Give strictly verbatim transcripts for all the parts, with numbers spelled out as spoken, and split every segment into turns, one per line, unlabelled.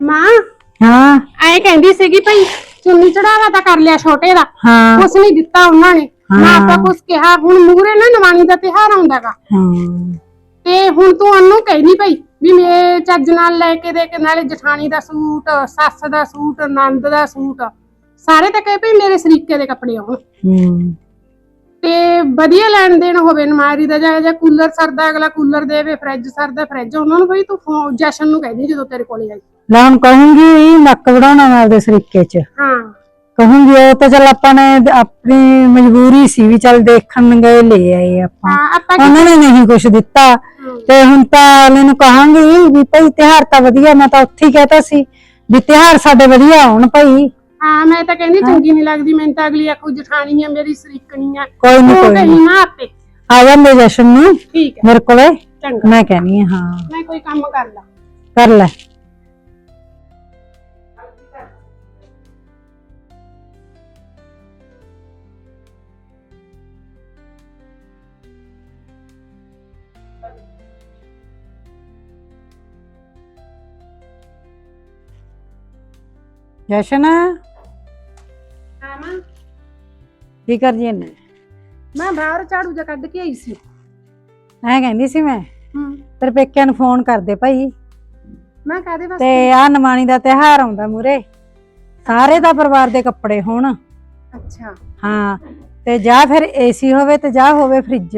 ਮਾਂ
ਹਾਂ
ਐ ਕਹਿੰਦੀ ਸੀਗੀ ਭਾਈ ਚੁੰਨੀ ਚੜਾਵਾ ਤਾਂ ਕਰ ਲਿਆ ਛੋਟੇ ਦਾ,
ਹਾਂ
ਕੁਛ ਨਹੀਂ ਦਿੱਤਾ ਉਹਨਾਂ ਨੇ ਨਾ ਆਪਾਂ ਕੁਛ ਕਿਹਾ। ਹੁਣ ਮੂਹਰੇ ਨਾ ਨਵਾਣੀ ਦਾ ਤਿਉਹਾਰ ਆਉਂਦਾਗਾ
ਹਾਂ
ਤੇ ਹੁਣ ਤੂੰ ਉਹਨੂੰ ਕਹਿਨੀ ਭਾਈ ਵੀ ਮੇਰੇ ਚੱਜ ਨਾਲ ਲੈ ਕੇ ਦੇ ਕੇ, ਨਾਲੇ ਜਠਾਣੀ ਦਾ ਸੂਟ, ਸੱਸ ਦਾ ਸੂਟ, ਨੰਦ ਦਾ ਸੂਟ, ਸਾਰੇ ਤਾਂ ਕਹੇ ਭਈ ਮੇਰੇ ਸਰੀਕੇ ਦੇ ਕੱਪੜੇ ਆਉਣ
ਹੂੰ
ਤੇ ਵਧੀਆ ਲੈਣ ਦੇਣ ਹੋਵੇ। ਨਮਾਰੀ ਦਾ ਜਾਂ ਜਾਂ ਕੂਲਰ ਸਰਦਾ ਅਗਲਾ ਕੂਲਰ ਦੇਵੇ, ਫਰਿੱਜ ਸਰਦਾ ਫਰਿੱਜ। ਉਹਨਾਂ ਨੂੰ ਬਈ ਤੂੰ ਫੋਨ ਜਸ਼ਨ ਨੂੰ ਕਹਿੰਦੀ ਜਦੋਂ ਤੇਰੇ ਕੋਲੇ ਆਈ।
ਲੈ ਹੁਣ ਕਹੂੰਗੀ ਨੱਕ ਵੜਾਉਣਾ ਮੈਂ ਉਹਦੇ ਸਰੀਕੇ ਚ।
ਹਾਂ
ਕਹੂੰਗੀ ਉਹ ਤਾਂ ਚੱਲ ਆਪਾਂ ਨੇ ਆਪਣੀ ਮਜਬੂਰੀ ਸੀ ਵੀ ਚੱਲ ਦੇਖਣ ਗਏ ਲੈ ਆਏ ਆਪਾਂ,
ਹਾਂ ਆਪਾਂ
ਉਹਨਾਂ ਨੇ ਨਹੀਂ ਕੁਛ ਦਿੱਤਾ। ਤੇ ਹੁਣ ਤਾਂ ਅਗਲੇ ਨੂੰ ਕਹਾਂਗੀ ਵੀ ਭਾਈ ਤਿਉਹਾਰ ਤਾਂ ਵਧੀਆ, ਮੈਂ ਤਾਂ ਉੱਥੇ ਹੀ ਕਹਿਤਾ ਸੀ ਵੀ ਤਿਉਹਾਰ ਸਾਡੇ ਵਧੀਆ ਆਉਣ ਭਾਈ।
ਹਾਂ ਮੈਂ ਤਾਂ ਕਹਿੰਦੀ ਚੰਗੀ ਨਹੀਂ ਲੱਗਦੀ, ਮੈਨੂੰ ਤਾਂ ਅਗਲੀ ਆਖੂ ਜਠਾਣੀ ਆ ਮੇਰੀ ਸਰੀਕਣੀ ਆ।
ਕੋਈ ਨੀ ਕੋਈ ਨੀ
ਨਾ ਆਪੇ
ਆ ਜਾਂਦੇ ਜਸ਼ਨ ਨੂੰ
ਠੀਕ ਹੈ
ਮੇਰੇ ਕੋਲੇ,
ਚੰਗਾ
ਮੈਂ ਕਹਿਨੀ ਆ। ਹਾਂ
ਮੈਂ ਕੋਈ ਕੰਮ ਕਰ ਲਾ
ਕਰ ਲੈ। ਜਸ਼ਨ
ਹਾਂ ਮਾਂ
ਕੀ ਕਰਦੀ ਐ?
ਮੈਂ ਬਾਹਰ ਝਾੜੂ ਜਿਹਾ ਕੱਢ ਕੇ ਆਈ ਸੀ।
ਐ ਕਹਿੰਦੀ ਸੀ ਮੈਂ
ਹੂੰ
ਤੇਰੇ ਪੇਕਿਆਂ ਨੂੰ ਫੋਨ ਕਰਦੇ ਭਾਈ,
ਮੈਂ ਕਾਹਦੇ ਵਾਸਤੇ?
ਤੇ ਆ ਨਮਾਣੀ ਦਾ ਤਿਉਹਾਰ ਆਉਂਦਾ ਮੂਰੇ, ਸਾਰੇ ਦਾ ਪਰਿਵਾਰ ਦੇ ਕੱਪੜੇ ਹੋਣ।
ਅੱਛਾ
ਹਾਂ ਤੇ ਜਾਂ ਫਿਰ ਏਸੀ ਹੋਵੇ ਤੇ ਜਾਂ ਹੋਵੇ ਫਰਿੱਜ,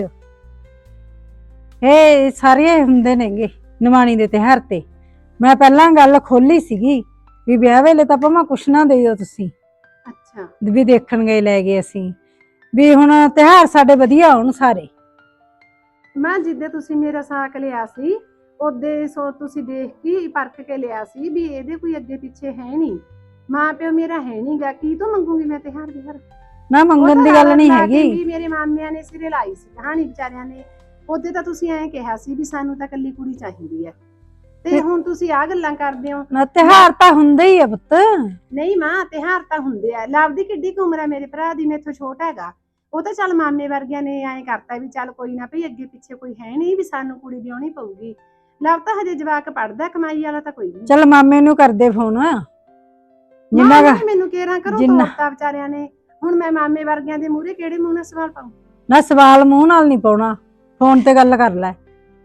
ਇਹ ਸਾਰੇ ਹੁੰਦੇ ਨੇਗੇ ਨਮਾਣੀ ਦੇ ਤਿਉਹਾਰ ਤੇ। ਮੈਂ ਪਹਿਲਾਂ ਗੱਲ ਖੋਲੀ ਸੀਗੀ ਵੀ ਵਿਆਹ ਵੇਲੇ ਤਾਂ ਭਾਵੇਂ ਕੁਛ ਨਾ ਦੇਈਓ ਤੁਸੀਂ,
ਅੱਛਾ
ਵੀ ਦੇਖਣ ਗਏ ਲੈ ਗਏ ਅਸੀਂ, ਵੀ ਹੁਣ ਤਿਉਹਾਰ ਸਾਡੇ ਵਧੀਆ ਹੋਣ ਸਾਰੇ।
ਮੈਂ ਜਿੱਦੇ ਤੁਸੀਂ ਮੇਰਾ ਸਾਕ ਲਿਆ ਸੀ ਉਹਦੇ ਸੋ ਤੁਸੀਂ ਦੇਖ ਕੇ ਪਰਖ ਕੇ ਲਿਆ ਸੀ ਵੀ ਇਹਦੇ ਕੋਈ ਅੱਗੇ ਪਿੱਛੇ ਹੈ ਨਹੀਂ, ਮਾਂ ਪਿਓ ਮੇਰਾ ਹੈ ਨਹੀਂਗਾ, ਕੀ ਤੋਂ ਮੰਗੂਗੀ ਮੈਂ ਤਿਉਹਾਰ ਤਿਉਹਾਰ?
ਨਾ ਮੰਗਣ ਦੀ ਗੱਲ ਨਹੀਂ ਹੈਗੀ।
ਵੀ ਮੇਰੇ ਮਾਮਿਆਂ ਨੇ ਸਿਰੇ ਲਾਈ ਸੀ ਕਹਾਣੀ ਵਿਚਾਰਿਆਂ ਨੇ। ਉਹਦੇ ਤਾਂ ਤੁਸੀਂ ਐਂ ਕਿਹਾ ਸੀ ਵੀ ਸਾਨੂੰ ਤਾਂ ਕੱਲੀ ਕੁੜੀ ਚਾਹੀਦੀ ਹੈ, ਤੇ ਹੁਣ ਤੁਸੀਂ ਆ ਗੱਲਾਂ ਕਰਦੇ ਹੋ।
ਨਾ ਤਿਉਹਾਰ ਤਾਂ ਹੁੰਦੇ ਹੀ ਆ ਪੁੱਤ।
ਨਹੀਂ ਮਾਂ ਤਿਉਹਾਰ ਤਾਂ ਹੁੰਦੇ ਆ। ਲਵ ਦੀ ਕਿੱਡੀ ਕੁ ਉਮਰ ਹੈ ਮੇਰੇ ਭਰਾ ਦੀ, ਮੇਥੋਂ ਛੋਟਾ ਹੈਗਾ। ਉਹ ਤਾਂ ਚੱਲ ਮਾਮੇ ਵਰਗਿਆਂ ਨੇ ਐਂ ਕਰਤਾ ਵੀ ਚੱਲ ਕੋਈ ਨਾ ਭਈ ਅੱਗੇ ਪਿੱਛੇ ਕੋਈ ਹੈ ਨਹੀਂ ਵੀ ਸਾਨੂੰ ਕੁੜੀ ਵਿਆਹਣੀ ਪਊਗੀ। ਲਵ ਤਾਂ ਹਜੇ ਜਵਾਕ ਪੜਦਾ, ਕਮਾਈ ਵਾਲਾ ਤਾਂ ਕੋਈ ਨਹੀਂ।
ਚੱਲ ਮਾਮੇ ਨੂੰ ਕਰਦੇ ਫੋਨ ਜਿੰਨਾ
ਮਾਂ ਮੈਨੂੰ ਕੇਰਾਂ ਕਰੋ ਤੋਰਤਾ ਵਿਚਾਰਿਆਂ ਨੇ। ਹੁਣ ਮੈਂ ਮਾਮੇ ਵਰਗਿਆਂ ਦੇ ਮੂਹਰੇ ਕਿਹੜੇ ਮੂੰਹ ਨਾਲ ਸਵਾਲ ਪਾਉਂ?
ਨਾ ਸਵਾਲ ਮੂੰਹ ਨਾਲ ਨਹੀਂ ਪਾਉਣਾ, ਫੋਨ ਤੇ ਗੱਲ ਕਰ ਲੈ।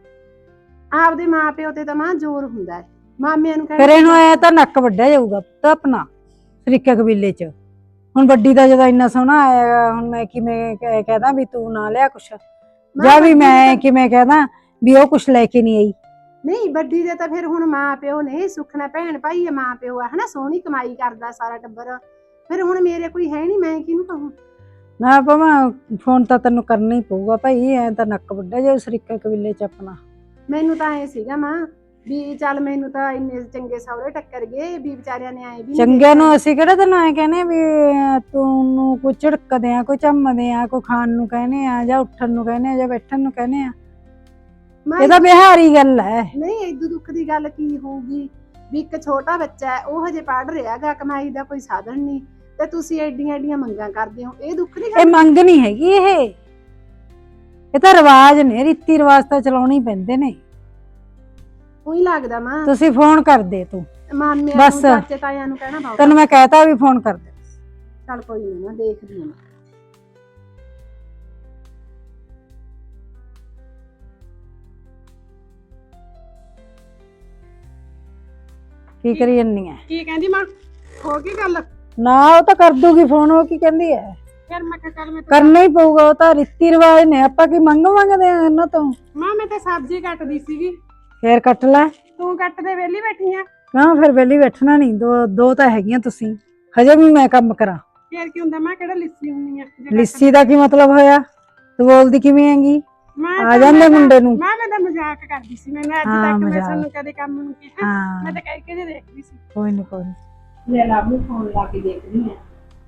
ਆਪਦੇ ਮਾਂ ਪਿਓ ਤੇ ਤਾਂ ਮਾਂ ਜ਼ੋਰ ਹੁੰਦਾ ਹੈ, ਮਾਮਿਆਂ ਨੂੰ
ਫਿਰ ਇਹਨੂੰ ਆਇਆ ਤਾਂ ਨੱਕ ਵੱਢਿਆ ਜਾਊਗਾ ਪੁੱਤ ਆਪਣਾ ਸਰੀਕੇ ਕਬੀਲੇ ਚ। ਹੁਣ ਵੱਡੀ ਦਾ ਜਦੋਂ ਇੰਨਾ ਸੋਹਣਾ ਆਇਆ, ਹੁਣ ਮੈਂ ਕਿਵੇਂ ਕਹਿਦਾ ਵੀ ਤੂੰ ਨਾ ਲਿਆ ਕੁਛ, ਜਾਂ ਵੀ ਮੈਂ ਕਿਵੇਂ ਕਹਿਦਾ ਵੀ ਉਹ ਕੁਛ ਲੈ ਕੇ ਨਹੀਂ ਆਈ।
ਨਹੀਂ ਵੱਡੀ ਦੇ ਤਾਂ ਫਿਰ ਹੁਣ ਮਾਂ ਪਿਓ ਨੇ, ਸੁੱਖ ਨਾਲ ਭੈਣ ਭਾਈ ਆ, ਮਾਂ ਪਿਓ ਆ ਹਨਾ, ਸੋਹਣੀ ਕਮਾਈ ਕਰਦਾ ਸਾਰਾ ਟੱਬਰ। ਫਿਰ ਹੁਣ ਮੇਰੇ ਕੋਈ ਹੈ ਨਹੀਂ, ਮੈਂ ਕਿਹਨੂੰ ਕਹੂੰ?
ਨਾ ਭਾਵੇਂ ਫੋਨ ਤਾਂ ਤੈਨੂੰ ਕਰਨਾ ਹੀ ਪਊਗਾ ਭਾਈ, ਐ ਤਾਂ ਨੱਕ ਵੱਢਿਆ ਜਾਊ ਸਰੀਕੇ ਕਬੀਲੇ ਚ ਆਪਣਾ। ਮੈਨੂੰ
ਤਾਂ ਐ ਸੀਗਾ ਮਾਂ ਵੀ ਚੱਲ ਮੈਨੂੰ ਤਾਂ ਇੰਨੇ ਚੰਗੇ ਸਹੁਰੇ ਟੱਕਰ ਗਏ ਵੀ ਵਿਚਾਰਿਆਂ ਨੇ ਆਏ ਵੀ
ਚੰਗੇ ਨੂੰ ਅਸੀਂ ਕਿਹੜਾ ਤੈਨੂੰ ਐ ਕਹਿੰਦੇ ਵੀ ਤੂੰ ਕੋਈ ਝਿੜਕਦੇ ਆ, ਕੋਈ ਝੰਮਦੇ ਆ, ਕੋਈ ਖਾਣ ਨੂੰ ਕਹਿੰਦੇ ਆ, ਜਾਂ ਉੱਠਣ ਨੂੰ ਕਹਿੰਦੇ ਆ, ਜਾਂ ਬੈਠਣ ਨੂੰ ਕਹਿੰਦੇ ਆ। ਇਹ ਤਾਂ ਬਿਹਾਰੀ ਗੱਲ ਹੈ।
ਨਹੀਂ ਏਦੂ ਦੁੱਖ ਦੀ ਗੱਲ ਕੀ ਹੋਊਗੀ ਵੀ ਇੱਕ ਛੋਟਾ ਬੱਚਾ ਹੈ, ਉਹ ਹਜੇ ਪੜ੍ਹ ਰਿਹਾ ਗਾ, ਕਮਾਈ ਦਾ ਕੋਈ ਸਾਧਨ ਨਹੀਂ, ਤੇ ਤੁਸੀਂ ਐਡੀਆਂ ਐਡੀਆਂ ਮੰਗਾਂ ਕਰਦੇ ਹੋ। ਇਹ ਦੁੱਖ ਨਹੀਂ?
ਇਹ ਮੰਗ ਨਹੀਂ ਹੈਗੀ, ਇਹ ਇਹ ਤਾਂ ਰਿਵਾਜ ਨੇ, ਰੀਤੀ ਰਿਵਾਜ ਤਾਂ ਚਲਾਉਣੇ ਹੀ ਪੈਂਦੇ ਨੇ।
ਉਹੀ ਲੱਗਦਾ ਮਾਂ
ਤੁਸੀਂ ਫੋਨ ਕਰ ਦੇ ਤੂੰ
ਮਾਮਿਆਂ
ਬਸ,
ਨੂੰ, ਚਾਚੇ ਤਾਇਆਂ ਨੂੰ ਕਹਿਣਾ ਬਾਬਾ।
ਤੈਨੂੰ ਮੈਂ ਕਹਿਤਾ ਵੀ ਫੋਨ ਕਰ ਦੇ।
ਚੱਲ ਕੋਈ ਨਹੀਂ, ਮੈਂ ਦੇਖਦੀ ਹਾਂ।
ਕੀ ਕਰੀ ਜੰਨੀ ਐ?
ਕੀ ਕਹਿੰਦੀ ਮਾਂ? ਹੋ ਗਈ ਗੱਲ?
ਨਾ ਉਹ ਤਾਂ ਕਰ ਦੂਗੀ ਫੋਨ, ਉਹ ਕੀ ਕਹਿੰਦੀ ਐ?
ਫਿਰ ਮੈਂ ਕਿਹਾ ਚੱਲ ਮੈਂ
ਕਰਨਾ ਹੀ ਪਊਗਾ, ਉਹ ਤਾਂ ਰੀਤੀ ਰਿਵਾਜ ਨੇ, ਆਪਾਂ ਕੀ ਮੰਗ ਮੰਗਦੇ ਆ ਇਹਨਾਂ ਤੋਂ?
ਮਾਂ ਮੈਂ ਤਾਂ ਸਬਜ਼ੀ ਕੱਟਦੀ ਸੀਗੀ।
ਫੇਰ ਕੱਟ ਲੈ।
ਤੂੰ ਕੱਟ ਦੇ, ਵਿਹਲੀ ਬੈਠੀ ਆ।
ਹਾਂ ਫਿਰ ਵਿਹਲੀ ਬੈਠਣਾ ਨਹੀਂ, ਦੋ ਦੋ ਤਾਂ ਹੈਗੀਆਂ ਤੁਸੀਂ, ਹਜੇ ਵੀ ਮੈਂ ਕੰਮ ਕਰਾਂ।
ਫੇਰ ਕੀ ਹੁੰਦਾ, ਮੈਂ ਕਿਹੜਾ ਲਿੱਸੀ ਹੁੰਨੀ ਆ?
ਲਿੱਸੀ ਦਾ ਕੀ ਮਤਲਬ ਹੋਇਆ? ਤੂੰ ਬੋਲਦੀ ਕਿਵੇਂ ਹੈਗੀ? ਆ ਜਾਂਦੇ ਮੁੰਡੇ ਨੂੰ।
ਮੈਂ ਮੈਂ ਤਾਂ ਮਜ਼ਾਕ ਕਰਦੀ ਸੀ, ਮੈਂ ਅੱਜ ਤੱਕ ਮੈਂ ਤੁਹਾਨੂੰ ਕਦੇ ਕੰਮ ਨੂੰ ਕਿਹਾ? ਮੈਂ ਤਾਂ ਕਹਿ ਕੇ ਜੇ ਦੇਖਦੀ ਸੀ।
ਕੋਈ ਨਹੀਂ ਕੋਈ ਨਹੀਂ,
ਲੈ ਲਵ ਨੂੰ ਫੋਨ ਲਾ ਕੇ ਦੇਖਦੀ ਆ।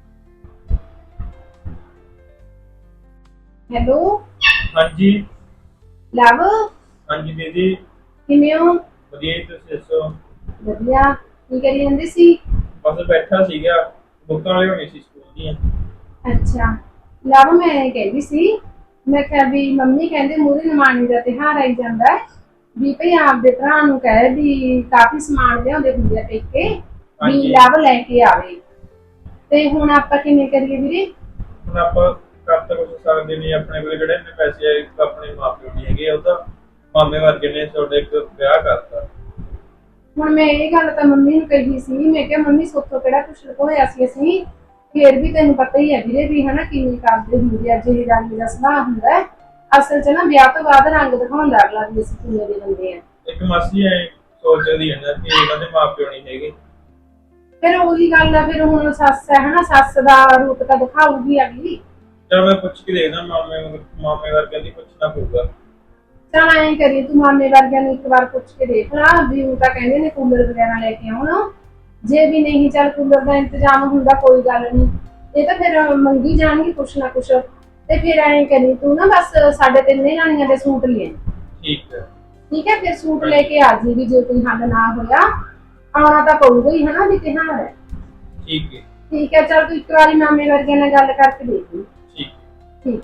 ਹੈਲੋ
ਹਾਂਜੀ
ਲਵ।
ਹਾਂਜੀ ਦੀਦੀ
ਕਿਵੇਂ ਹੋ?
ਵਧੀਆ ਜੀ, ਤੁਸੀਂ ਦੱਸੋ?
ਵਧੀਆ। ਕੀ ਕਰੀ ਜਾਂਦੇ ਸੀ?
ਬਸ ਬੈਠਾ ਸੀਗਾ, ਬੁੱਕਾਂ ਲਿਆਉਣੀ ਸੀ ਸਕੂਲ ਦੀਆਂ।
ਅੱਛਾ ਲਵ, ਮੈਂ ਕਹਿੰਦੀ ਸੀ, ਮੈਂ ਕਿਹਾ ਵੀ ਮੰਮੀ ਕਹਿੰਦੇ ਮੂਹਰੇ ਨਮਾਣੀ ਦਾ ਤਿਉਹਾਰ ਆਈ ਜਾਂਦਾ ਹੈ, ਵੀ ਭਈ ਆਪਦੇ ਭਰਾ ਨੂੰ ਕਹੇ ਵੀ ਕਾਫੀ ਸਮਾਨ ਲਿਆਉਂਦੇ ਹੁੰਦੇ ਆ ਪੇਕੇ ਵੀ
ਹਾਂਜੀ।
ਲਵ ਲੈ ਕੇ ਆਵੇ। ਤੇ ਹੁਣ ਆਪਾਂ ਕਿਵੇਂ ਕਰੀਏ ਵੀਰੇ?
ਹੁਣ ਆਪਾਂ ਕਰ ਤਾਂ ਕੁਛ ਸਕਦੇ ਨਹੀਂ, ਆਪਣੇ ਕੋਲ ਜਿਹੜੇ ਨੇ ਪੈਸੇ ਆਏ ਆਪਣੇ ਮਾਪਿਓ ਨਹੀਂ ਹੈਗੇ, ਉਹ ਤਾਂ ਮਾਮੇ ਵਰਗੇ ਨੇ ਤੁਹਾਡੇ ਇੱਕ ਵਿਆਹ ਕਰਤਾ।
ਹੁਣ ਮੈਂ ਇਹ ਗੱਲ ਤਾਂ ਮੰਮੀ ਨੂੰ ਕਹੀ ਸੀ, ਮੈਂ ਕਿਹਾ ਮੰਮੀ ਸੋਥੋਂ ਕਿਹੜਾ ਕੁਛ ਲੁਕੋਇਆ ਸੀ ਅਸੀਂ, ਫੇਰ ਵੀ ਤੈਨੂੰ ਪਤਾ ਹੀ ਹੈ ਵੀਰੇ ਵੀ ਹਨਾ ਕਿਵੇਂ ਕਰਦੇ ਹੁੰਦੇ ਆ, ਜਿਹੇ ਰੰਗ ਦਾ ਸੁਭਾਅ ਹੁੰਦਾ ਹੈ। ਅਸਲ 'ਚ ਨਾ ਵਿਆਹ ਤੋਂ ਬਾਅਦ ਰੰਗ ਦਿਖਾਉਂਦਾ ਅਗਲਾ ਵੀ ਅਸੀਂ ਕਿਵੇਂ ਦੇ ਬੰਦੇ ਆ।
ਇੱਕ ਮਾਸੀ ਐ ਸੋਚਦੀ ਹੈ ਨਾ ਕਿ ਇਹਨਾਂ ਦੇ ਮਾਪਿਓ ਨਹੀਂ ਹੈਗੇ।
ਫਿਰ ਉਹੀ ਗੱਲ ਆ, ਫਿਰ ਹੁਣ ਸੱਸ ਹੈ ਹਨਾ, ਸੱਸ ਦਾ ਰੂਪ ਤਾਂ ਦਿਖਾਊਗੀ ਅਗਲੀ।
ਚਲ ਮੈਂ ਪੁੱਛ ਕੇ ਦੇਖਦਾ, ਮਾਮੇ ਮਾਮੇ ਵਰਗਿਆਂ ਦੀ ਪੁੱਛਣਾ ਪਊਗਾ।
ਚੱਲ ਐਂ ਕਰੀਏ ਤੂੰ ਮਾਮੇ ਵਰਗਿਆਂ ਨੂੰ ਇੱਕ ਵਾਰ ਪੁੱਛ ਕੇ ਦੇਖ ਲਾ ਵੀ ਉਹ ਤਾਂ ਕਹਿੰਦੇ ਨੇ ਕੂਲਰ ਵਗੈਰਾ ਲੈ ਕੇ ਆਉਣ, ਜੇ ਵੀ ਨਹੀਂ ਚੱਲ ਕੂਲਰ ਦਾ ਇੰਤਜ਼ਾਮ ਹੁੰਦਾ ਕੋਈ ਗੱਲ ਨਹੀਂ, ਇਹ ਤਾਂ ਫਿਰ ਮੰਗੀ ਜਾਣਗੇ ਕੁਛ ਨਾ ਕੁਛ। ਤੇ ਫਿਰ ਐਂ ਕਰੀ ਤੂੰ ਨਾ ਬਸ ਸਾਡੇ ਤਿੰਨੇ ਜਾਣੀਆਂ ਦੇ ਸੂਟ ਲੈ ਆਈ।
ਠੀਕ ਹੈ
ਠੀਕ ਹੈ, ਫਿਰ ਸੂਟ ਲੈ ਕੇ ਆ ਜੀ ਵੀ ਜੇ ਕੋਈ ਹੱਲ ਨਾ ਹੋਇਆ, ਆਉਣਾ ਤਾਂ ਪਊਗਾ ਹੀ ਹਨਾ ਵੀ ਤਿਉਹਾਰ ਹੈ।
ਠੀਕ ਹੈ
ਠੀਕ ਹੈ, ਚੱਲ ਤੂੰ ਇੱਕ ਵਾਰੀ ਮਾਮੇ ਵਰਗਿਆਂ ਨਾਲ ਗੱਲ ਕਰਕੇ ਦੇਖ ਲਈ।
ਠੀਕ
ਠੀਕ।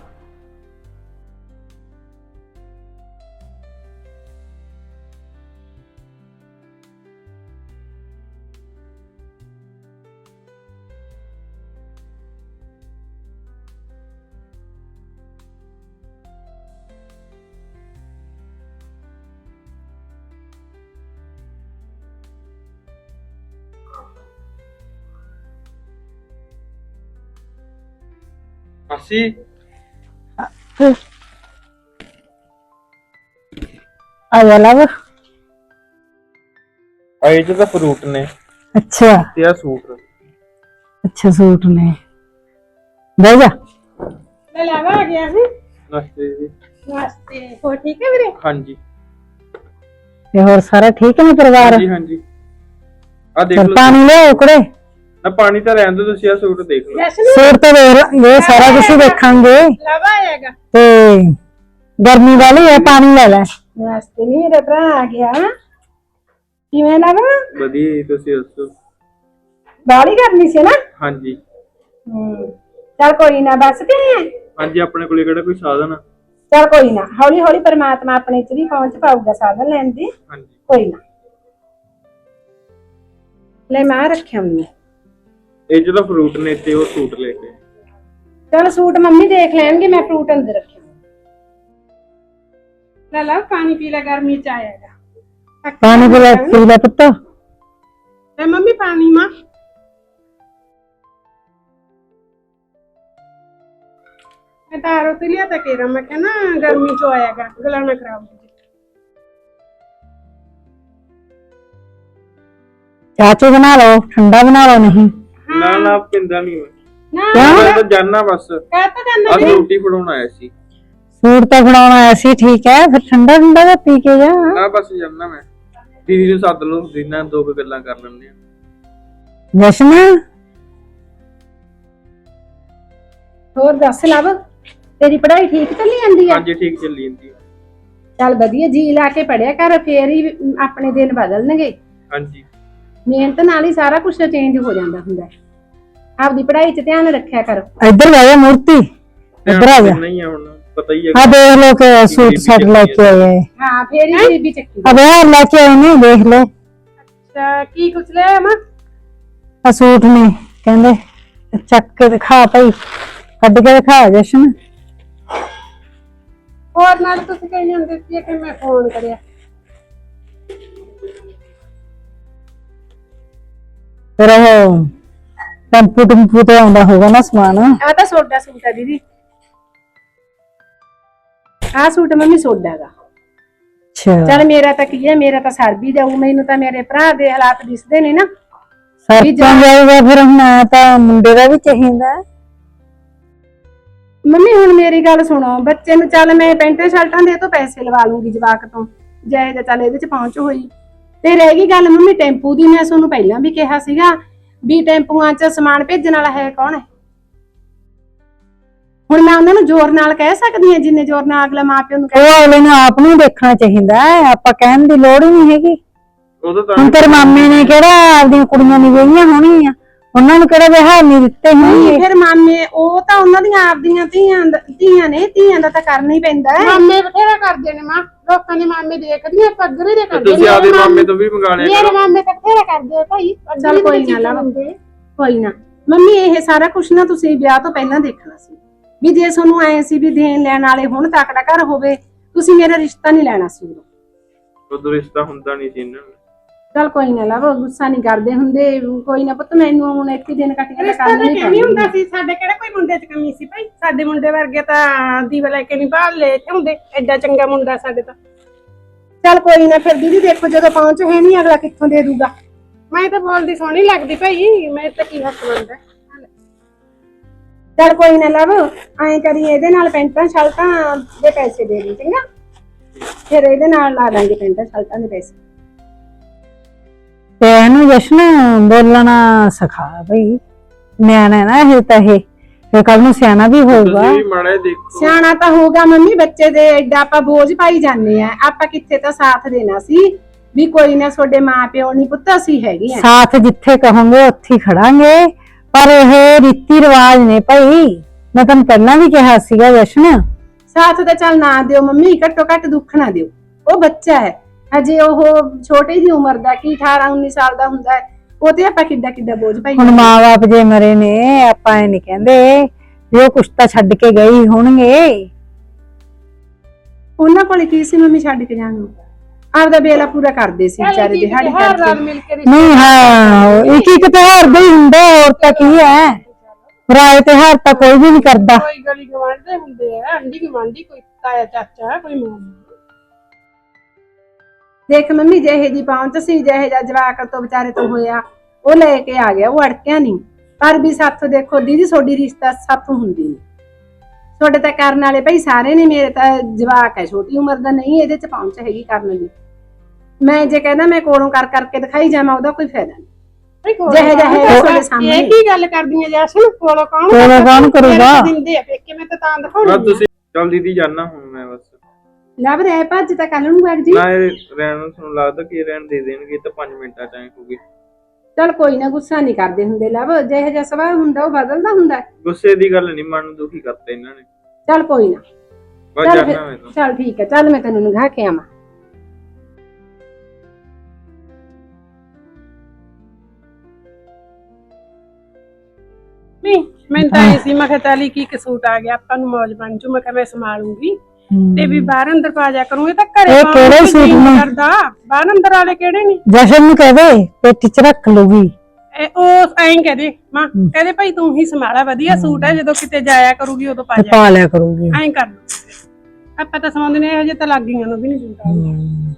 ਮਾਸੀ
ਆ ਜਾ ਲਵ।
ਆਏ ਚ ਤਾਂ ਫਰੂਟ ਨੇ
ਅੱਛਾ
ਤੇ ਆ ਸੂਟ।
ਅੱਛਾ ਸੂਟ ਨੇ, ਬਹਿ ਜਾ।
ਲੈ ਲਾਵਾ ਆ ਗਿਆ ਸੀ।
ਨਮਸਤੇ ਜੀ।
ਨਮਸਤੇ, ਹੋਰ ਠੀਕ ਹੈ ਵੀਰੇ?
ਹਾਂਜੀ
ਤੇ ਹੋਰ ਸਾਰਾ ਠੀਕ ਨੇ ਪਰਿਵਾਰ?
ਹਾਂਜੀ ਹਾਂਜੀ ਆ ਦੇਖ
ਚੱਲ
ਲਓ।
ਪਾਣੀ ਲਿਆਓ ਕੁੜੇ।
ਨਾ ਪਾਣੀ ਤਾਂ ਰਹਿਣ ਦਿਓ, ਤੁਸੀਂ ਆ ਸੂਟ ਦੇਖ ਲਓ।
ਸੂਟ ਤਾਂ ਦੇਖ ਲਾਂਗੇ, ਸਾਰਾ ਕੁਝ ਹੀ ਦੇਖਾਂਗੇ।
ਲਾਵਾ ਆਏਗਾ
ਤੇ ਗਰਮੀ ਵਾਲੀ ਹੈ, ਪਾਣੀ ਲੈ ਲੈ।
ਨਮਸਤੇ, ਨਹੀਂ ਮੇਰਾ ਭਰਾ ਆ ਗਿਆ। ਕਿਵੇਂ ਲਾਵਾ?
ਵਧੀਆ ਜੀ, ਤੁਸੀਂ ਦੱਸੋ?
ਬਾਲੀ ਕਰਨੀ ਸੀ ਨਾ।
ਹਾਂਜੀ
ਹੂੰ, ਚੱਲ ਕੋਈ ਨਾ, ਬਸ ਤੇ
ਹਾਂਜੀ ਆਪਣੇ ਕੋਲੇ ਕਿਹੜਾ ਕੋਈ ਸਾਧਨ ਆ?
ਚੱਲ ਕੋਈ ਨਾ, ਹੌਲੀ ਹੌਲੀ ਪਰਮਾਤਮਾ ਆਪਣੇ ਚ ਵੀ ਪਹੁੰਚ ਪਾਊਗਾ ਸਾਧਨ ਲੈਣ ਦੀ।
ਹਾਂਜੀ
ਕੋਈ ਨਾ, ਲੈ ਮੈਂ ਰੱਖਿਆ ਮੰਮੀ।
ਇਹ ਚ ਤਾਂ ਫਰੂਟ ਨੇ ਤੇ ਉਹ ਸੂਟ ਲੈ ਕੇ।
ਚਲ ਸੂਟ ਮੰਮੀ ਦੇਖ ਲੈਣਗੇ, ਮੈਂ ਫਰੂਟ ਅੰਦਰ ਰੱਖਿਆ। ਲੈ ਲਾ ਪਾਣੀ ਪੀ ਲੈ, ਗਰਮੀ ਚ ਆਏਗਾ।
ਪਾਣੀ ਪੀ ਲੈ, ਪੀ ਲੈ ਪੁੱਤ।
ਲੈ ਮੰਮੀ ਪਾਣੀ ਮਾਂ। ਮੈਂ ਤਾਂ ਆਰੋ ਤੇ ਲਿਆ ਤਾਂ ਕੇਰਾ, ਮੈਂ ਕਿਹਾ ਨਾ ਗਰਮੀ ਚ ਆਏਗਾ, ਗਲਾ ਨਾ ਖਰਾਬ ਹੋ ਜਾਏ।
ਚਾਚੂ ਬਣਾ ਲਓ, ਠੰਡਾ ਬਣਾ ਲਓ। ਨਹੀਂ
ਨਾ ਨਾ ਪਿੰਦਾ ਨਹੀਂ ਮੈਂ,
ਨਾ
ਮੈਂ ਤਾਂ ਜਾਣਾ ਬਸ।
ਕਹਿ ਤਾਂ ਜਾਂਦਾ
ਅੱਜ
ਵੀਰੇ।
ਰੋਟੀ ਫੜਾਉਣ ਆਇਆ ਸੀ।
ਸੂਟ ਤਾਂ ਫੜਾਉਣ ਆਇਆ ਸੀ, ਠੀਕ ਹੈ, ਫਿਰ ਠੰਡਾ ਠੰਡਾ ਦਾ ਪੀ ਕੇ ਜਾ।
ਨਾ ਬਸ ਜਾਣਾ ਮੈਂ। ਦੀਦੀ ਨੂੰ ਸੱਦ ਲਓ, ਦੀਨਾਂ ਦੋ ਕੁ ਗੱਲਾਂ ਕਰ ਲੈਂਦੇ ਆ।
ਜਸ਼ਨ
ਹੋਰ ਦੱਸ ਲਵ, ਤੇਰੀ ਪੜ੍ਹਾਈ ਠੀਕ ਚੱਲੀ ਜਾਂਦੀ ਆ?
ਹਾਂਜੀ ਠੀਕ ਚੱਲੀ ਜਾਂਦੀ।
ਚੱਲ ਵਧੀਆ, ਜੀ ਲਾ ਕੇ ਪੜਿਆ ਕਰ, ਫੇਰ ਹੀ ਆਪਣੇ ਦਿਨ ਬਦਲਣਗੇ।
ਹਾਂਜੀ
ਮਿਹਨਤ ਨਾਲ ਹੀ ਸਾਰਾ ਕੁਝ ਚੇਂਜ ਹੋ ਜਾਂਦਾ ਹੁੰਦਾ ਹੈ। ਆਪਦੀ ਪੜ੍ਹਾਈ 'ਚ ਧਿਆਨ ਰੱਖਿਆ ਕਰੋ।
ਇੱਧਰ ਬਹਿ ਜਾ ਮੂਰਤੀ, ਇੱਧਰ ਆ ਜਾ।
ਨਹੀਂ ਹੁਣ ਪਤਾ ਹੀ ਹੈ।
ਆ ਦੇਖ ਲੋ ਕਿ ਸੂਟ ਸਾਟ ਲੈ ਕੇ ਆਏ।
ਹਾਂ, ਫੇਰ ਹੀ ਗਰੀਬੀ ਚੱਕੀ।
ਅਬੇ ਲੈ ਕੇ ਆਏ ਨੇ, ਦੇਖ ਲੈ।
ਅੱਛਾ, ਕੀ ਕੁਛ ਲੈ ਮਾਂ?
ਆ ਸੂਟ ਨੇ, ਕਹਿੰਦੇ ਚੱਕ ਕੇ ਦਿਖਾ ਭਾਈ, ਕੱਢ ਕੇ ਦਿਖਾ ਜਸ਼ਨ।
ਹੋਰ ਨਾਲ ਤੁਸੀਂ ਕਹੀ ਜਾਂਦੇ ਸੀ ਕਿ ਮੈਂ ਫੋਨ ਕਰਿਆ।
ਫਿਰ ਉਹ ਟੈਂਪੂ ਟੈਂਪੂ ਤੇ ਆਉਂਦਾ ਹੋਗਾ ਨਾ ਸਮਾਨ।
ਆ ਤਾਂ ਸੋਡਾ ਸੂਟ ਹੈ ਦੀਦੀ, ਆ ਸੂਟ ਮੰਮੀ ਸੋਡਾ ਦਾ।
ਅੱਛਾ
ਚੱਲ ਮੇਰਾ ਤਾਂ ਕੀ ਹੈ, ਮੇਰਾ ਤਾਂ ਸਰ ਵੀ ਜਾਊ, ਮੈਨੂੰ ਤਾਂ ਮੇਰੇ ਭਰਾ ਦੇ ਹਾਲਾਤ ਦਿਸਦੇ ਨੇ ਨਾ।
ਸਰਪਾਂ ਜਾਊਗਾ, ਫਿਰ ਹੁਣ ਆਇਆ ਤਾਂ ਮੁੰਡੇ ਦਾ ਵੀ ਚਾਹੀਦਾ।
ਮੰਮੀ ਹੁਣ ਮੇਰੀ ਗੱਲ ਸੁਣੋ, ਬੱਚੇ ਨੂੰ ਚੱਲ ਮੈਂ ਪੈਂਟਾਂ ਸ਼ਰਟਾਂ ਦੇ ਤੋਂ ਪੈਸੇ ਲਵਾ ਲੂੰਗੀ ਜਵਾਕ ਤੋਂ, ਜਾਇ ਤਾਂ ਚੱਲ ਇਹਦੇ ਚ ਪਹੁੰਚ ਹੋਈ। ਤੇ ਰਹਿ ਗਈ ਗੱਲ ਮੰਮੀ ਟੈਂਪੂ ਦੀ, ਮੈਂ ਤੁਹਾਨੂੰ ਪਹਿਲਾਂ ਵੀ ਕਿਹਾ ਸੀਗਾ ਵੀ ਟੈਂਪੂਆਂ 'ਚ ਸਮਾਨ ਭੇਜਣ ਵਾਲਾ ਹੈ ਕੌਣ ਹੈ? ਹੁਣ ਮੈਂ ਉਹਨਾਂ ਨੂੰ ਜ਼ੋਰ ਨਾਲ ਕਹਿ ਸਕਦੀ ਹਾਂ ਜਿੰਨੇ ਜ਼ੋਰ ਨਾਲ ਅਗਲਾ ਮਾਂ ਪਿਓ ਨੂੰ
ਉਹ ਅਗਲੇ ਨੂੰ ਆਪ ਨੂੰ ਦੇਖਣਾ ਚਾਹੀਦਾ ਹੈ, ਆਪਾਂ ਕਹਿਣ ਦੀ ਲੋੜ ਹੀ ਨਹੀਂ ਹੈਗੀ।
ਉਦੋਂ ਤਾਂ
ਹੁਣ ਤੇਰੇ ਮਾਮੇ ਨੇ ਕਿਹੜਾ ਆਪਦੀਆਂ ਕੁੜੀਆਂ ਨਹੀਂ ਵਿਆਹੀਆਂ ਹੋਣੀਆਂ, ਉਹਨਾਂ ਨੂੰ ਕਿਹੜਾ ਵਿਹਾਰ ਨਹੀਂ ਦਿੱਤੇ
ਨਹੀਂ
ਹੋਣਗੇ।
ਫਿਰ ਮਾਮੇ ਉਹ ਤਾਂ ਉਹਨਾਂ ਦੀਆਂ ਆਪਦੀਆਂ ਧੀਆਂ ਦ- ਧੀਆਂ ਨੇ ਧੀਆਂ ਦਾ ਤਾਂ ਕਰਨਾ ਹੀ ਪੈਂਦਾ ਹੈ।
ਮਾਮੇ ਬਥੇਰਾ ਕਰਦੇ ਨੇ ਮਾਂ, ਲੋਕਾਂ ਦੇ ਮਾਮੇ ਦੇਖਦੀ ਆ ਪੱਗਰੇ ਦੇ
ਤੇ
ਕਰਦੇ
ਤੁਸੀਂ ਆਪਦੇ ਮਾਮੇ ਤੋਂ ਵੀ ਮੰਗਾ ਲਿਆ
ਮੇਰੇ
ਕਰੋ।
ਮਾਮੇ ਤਾਂ ਬਥੇਰਾ ਕਰਦੇ ਆ ਭਾਈ,
ਚੱਲ ਕੋਈ ਨਾ ਲਾ ਕੋਈ ਨਾ ਮੰਮੀ, ਇਹ ਸਾਰਾ ਕੁਛ ਨਾ ਤੁਸੀਂ ਵਿਆਹ ਤੋਂ ਪਹਿਲਾਂ ਦੇਖਣਾ ਸੀ ਵੀ ਜੇ ਤੁਹਾਨੂੰ ਐ ਸੀ ਵੀ ਦੇਣ ਲੈਣ ਵਾਲੇ ਹੁਣ ਤੱਕੜਾ ਘਰ ਹੋਵੇ, ਤੁਸੀਂ ਮੇਰਾ ਰਿਸ਼ਤਾ ਨਹੀਂ ਲੈਣਾ ਸੀ ਉਦੋਂ।
ਉਦੋਂ ਰਿਸ਼ਤਾ ਹੁੰਦਾ ਨਹੀਂ ਸੀ ਇਹਨਾਂ ਨੂੰ।
ਚੱਲ ਕੋਈ ਨਾ ਲਾਵੋ, ਗੁੱਸਾ ਨਹੀਂ ਕਰਦੇ ਹੁੰਦੇ, ਕੋਈ ਨਾ ਪੁੱਤ, ਮੈਨੂੰ ਹੁਣ ਇੱਕ ਹੀ ਦਿਨ ਕੱਟ ਕੇ
ਰਿਸ਼ਤਾ
ਕਰਨਾ
ਤਾਂ
ਹੀ
ਕਿਵੇਂ ਹੁੰਦਾ
ਪੈਂਦਾ।
ਸੀ, ਸਾਡੇ ਕਿਹੜਾ ਕੋਈ ਮੁੰਡੇ 'ਚ ਕਮੀ ਸੀ ਭਾਈ, ਸਾਡੇ ਮੁੰਡੇ ਵਰਗੇ ਤਾਂ ਦੀਵਾ ਲੈ ਕੇ ਨਹੀਂ ਬਾਹਰ ਲੈ ਹੁੰਦੇ, ਐਡਾ ਚੰਗਾ ਮੁੰਡਾ ਸਾਡੇ ਤਾਂ।
ਚੱਲ ਕੋਈ ਨਾ ਫਿਰ ਦੀਦੀ ਦੇਖੋ ਜਦੋਂ ਪਹੁੰਚ ਹੈ ਨਹੀਂ ਅਗਲਾ ਕਿੱਥੋਂ ਦੇ ਦੂਗਾ।
ਮੈਂ ਤਾਂ ਬੋਲਦੀ ਸੋਹਣੀ ਲੱਗਦੀ ਭਾਈ, ਮੈਂ ਤਾਂ ਕੀ ਹੱਕ ਬਣਦਾ।
ਚੱਲ ਕੋਈ ਨਾ ਲਵ, ਐਂ ਕਰੀ ਇਹਦੇ ਨਾਲ ਪੈਂਟਾਂ ਸ਼ਰਟਾਂ ਦੇ ਪੈਸੇ ਦੇ ਦੀ ਚੰਗਾ, ਫਿਰ ਇਹਦੇ ਨਾਲ ਲਾ ਦਾਂਗੇ ਪੈਂਟਾਂ ਸ਼ਰਟਾਂ ਦੇ ਪੈਸੇ।
ਤੇ ਇਹਨੂੰ ਜਸ਼ਨ ਬੋਲਣਾ ਸਿਖਾ ਬਈ, ਨਿਆਣਾ ਨਾ ਇਹ ਤਾਂ ਇਹ ਤੇ ਕੱਲ ਨੂੰ ਸਿਆਣਾ ਵੀ ਹੋਊਗਾ।
ਤੁਸੀਂ ਵੀ ਮਾੜਾ ਜਿਹਾ ਦੇਖੋ।
ਸਿਆਣਾ ਤਾਂ ਹੋਊਗਾ ਮੰਮੀ, ਬੱਚੇ ਦੇ ਐਡਾ ਆਪਾਂ ਬੋਝ ਪਾਈ ਜਾਂਦੇ ਆ, ਆਪਾਂ ਕਿੱਥੇ ਤਾਂ ਸਾਥ ਦੇਣਾ ਸੀ ਵੀ ਕੋਈ ਨਾ ਤੁਹਾਡੇ ਮਾਂ ਪਿਓ ਨਹੀਂ ਪੁੱਤ ਅਸੀਂ ਹੈਗੇ ਆ।
ਸਾਥ ਜਿੱਥੇ ਕਹੋਗੇ ਉੱਥੇ ਹੀ ਖੜਾਂਗੇ, ਪਰ ਇਹ ਰੀਤੀ ਰਿਵਾਜ ਨੇ ਭਾਈ, ਮੈਂ ਤੁਹਾਨੂੰ ਪਹਿਲਾਂ ਵੀ ਕਿਹਾ ਸੀਗਾ ਜਸ਼ਨ।
ਸਾਥ ਤਾਂ ਚੱਲ ਨਾ ਦਿਓ ਮੰਮੀ, ਘੱਟੋ ਘੱਟ ਦੁੱਖ ਨਾ ਦਿਓ, ਉਹ ਬੱਚਾ ਹੈ ਹਜੇ, ਉਹ ਛੋਟੀ ਜੀ ਉਮਰ ਦਾ, ਕੀ ਅਠਾਰਾਂ ਉੱਨੀ ਸਾਲ ਦਾ ਹੁੰਦਾ ਹੈ, ਉਹ ਤੇ ਆਪਾਂ ਕਿੱਡਾ ਕਿੱਡਾ ਬੋਝ ਪਾਈ
ਹੁਣ
ਜਾਂਦੇ ਆ।
ਮਾਂ-ਬਾਪ ਜੇ ਮਰੇ ਨੇ, ਆਪਾਂ ਇਹ ਨਹੀਂ ਕਹਿੰਦੇ ਵੀ ਉਹ ਕੁਛ ਤਾਂ ਛੱਡ ਕੇ ਗਏ ਹੀ ਹੋਣਗੇ।
ਉਹਨਾਂ ਕੋਲੇ ਕੀ ਸੀ ਮੰਮੀ ਛੱਡ ਕੇ ਜਾਣ ਨੂੰ, ਆਪਦਾ ਬੇਲਾ ਪੂਰਾ ਕਰਦੇ ਸੀ ਵਿਚਾਰੇ ਦਿਹਾੜੀ
ਹਰ
ਕਰਕੇ।
ਰਲ ਮਿਲ ਕੇ ਰਿਸ਼ਤਾ
ਨਹੀਂ ਹਾਂ, ਇੱਕ ਇੱਕ ਤਿਉਹਾਰ ਦਾ ਹੀ ਹੁੰਦਾ, ਹੋਰ ਤਾਂ ਕੀ ਹੈ, ਰਾਏ ਤਿਉਹਾਰ ਤਾਂ ਕੋਈ ਵੀ ਨਹੀਂ ਕਰਦਾ।
ਕੋਈ ਗਲੀ ਗਵਾਂਢ ਦੇ ਹੁੰਦੇ ਆ, ਆਂਢੀ ਗਵਾਂਢੀ, ਕੋਈ ਤਾਇਆ ਚਾਚਾ, ਕੋਈ ਮਾਮਾ।
ਦੇਖ ਮੰਮੀ, ਜਿਹੇ ਜੀ ਪਹੁੰਚ ਸੀ, ਜਿਹੇ ਜਾ ਜਵਾਕ ਤੋਂ ਵਿਚਾਰੇ ਤੋਂ ਹੋਇਆ, ਉਹ ਲੈ ਕੇ ਆ ਗਿਆ, ਉਹ ਅੜਕਿਆ ਨਹੀਂ। ਪਰ ਵੀ ਸਾਥੋਂ ਦੇਖੋ ਦੀਦੀ, ਤੁਹਾਡੀ ਰਿਸ਼ਤਾ ਸਾਥੋਂ ਹੁੰਦੀ ਨਹੀਂ, ਤੁਹਾਡੇ ਤਾਂ ਕਰਨ ਵਾਲੇ ਭਾਈ ਸਾਰੇ ਨੇ, ਮੇਰੇ ਤਾਂ ਜਵਾਕ ਹੈ ਛੋਟੀ ਉਮਰ ਦਾ, ਨਹੀਂ ਇਹਦੇ ਚ ਪਹੁੰਚ ਹੈਗੀ ਕਰਨ ਦੀ। ਮੈਂ ਜੇ ਕਹਿੰਦਾ ਮੈਂ ਕੋਲੋਂ ਕਰ ਕਰਕੇ ਦਿਖਾਈ ਜਾਵਾਂ, ਉਹਦਾ ਕੋਈ ਫਾਇਦਾ ਨਹੀਂ। ਜਿਹੇ ਜਿਹੇ ਤੁਹਾਡੇ ਸਾਹਮਣੇ।
ਇਹ ਕੀ ਗੱਲ ਕਰਦੀ ਹੈ ਜੈਸਨ, ਕੋਲੋਂ ਕੌਣ
ਕੋਲੋਂ ਕੌਣ ਕਰੂਗਾ?
ਦਿੰਦੇ ਆ ਪੇਕੇ, ਮੈਂ ਤਾਂ ਤਾਂ
ਬਸ
ਦਿਖਾਉਣੀ
ਤੁਸੀਂ ਚੱਲ ਦੀਦੀ ਜਾਣਾ ਹੁਣ ਮੈਂ ਬਸ।
ਲੱਭ ਰਿਹਾ ਭੱਜ ਤਾਂ ਕੱਲ ਨੂੰ ਬਾਗ ਜੀ।
ਨਾ ਇਹ ਰਹਿਣ ਨੂੰ ਤੁਹਾਨੂੰ ਲੱਗਦਾ ਕਿ ਰਹਿਣ ਦੇ ਦੇਣਗੇ ਤਾਂ ਪੰਜ ਮਿੰਟਾਂ ਚ ਆਏ ਹੋਗੇ।
ਚੱਲ ਕੋਈ ਨਾ, ਗੁੱਸਾ ਨਹੀਂ ਕਰਦੇ ਹੁੰਦੇ ਲੱਭ, ਜਿਹੇ ਜਿਹਾ ਸੁਭਾਅ ਹੁੰਦਾ ਉਹ ਬਦਲਦਾ ਹੁੰਦਾ।
ਗੁੱਸੇ ਦੀ ਗੱਲ ਨਹੀਂ, ਮਨ ਨੂੰ ਦੁਖੀ ਕਰਤਾ ਇਹਨਾਂ ਨੇ।
ਚੱਲ ਕੋਈ ਨਾ,
ਬਸ
ਚੱਲ
ਜਾਣਾ
ਫਿਰ,
ਮੈਂ ਤਾਂ।
ਚੱਲ ਠੀਕ ਹੈ, ਚੱਲ ਮੈਂ ਤੈਨੂੰ ਨਗਾ ਕੇ ਆਵਾਂ।
ਨਹੀਂ, ਮੈਂ ਤਾਂ ਇਹ ਸੀ, ਮੈਂ ਕਿਹਾ ਤਾਲੀ ਕੀ ਕਸੂਟ ਆ ਗਿਆ, ਆਪਾਂ ਨੂੰ ਮੌਜ ਬਣ ਜੂ, ਮੈਂ ਕਿਹਾ ਮੈਂ ਸੰਭਾਲੂੰਗੀ ਤੇ ਵੀ ਬਾਹਰ ਅੰਦਰ ਪਾ ਜਾ ਕਰੂੰਗੀ, ਤਾਂ ਘਰੇ
ਇਹ
ਪਾਉਣ
ਕਿਹੜੇ
ਨੂੰ
ਸੂਟ
ਜੀਅ ਨੀ
ਨੇ?
ਕਰਦਾ, ਬਾਹਰ ਅੰਦਰ ਵਾਲੇ ਕਿਹੜੇ ਨੇ?
ਜਸ਼ਨ ਨੂੰ ਕਹਦੇ ਪੇਟੀ ਚ ਰੱਖ ਲੂਗੀ।
ਇਹ ਉਹ ਐਂ ਕਹਦੇ ਮਾਂ, ਕਹਦੇ ਭਾਈ ਤੂੰ ਹੀ ਸੰਭਾਲਾ, ਵਧੀਆ ਸੂਟ ਹੈ, ਜਦੋਂ ਕਿਤੇ ਜਾਇਆ ਕਰੂਗੀ ਉਦੋਂ ਪਾ
ਤੇ
ਜਾ,
ਪਾ ਲਿਆ ਕਰੂਗੀ।
ਐਂ ਕਰ ਲੂ। ਆਪਾਂ ਤਾਂ ਸਮਾਉਂਦੇ ਨੇ, ਹਜੇ ਤਾਂ ਲੱਗ ਗਈਆਂ ਨੂੰ ਵੀ ਨਹੀਂ ਜੁੰਦਾ।
ਹਮ।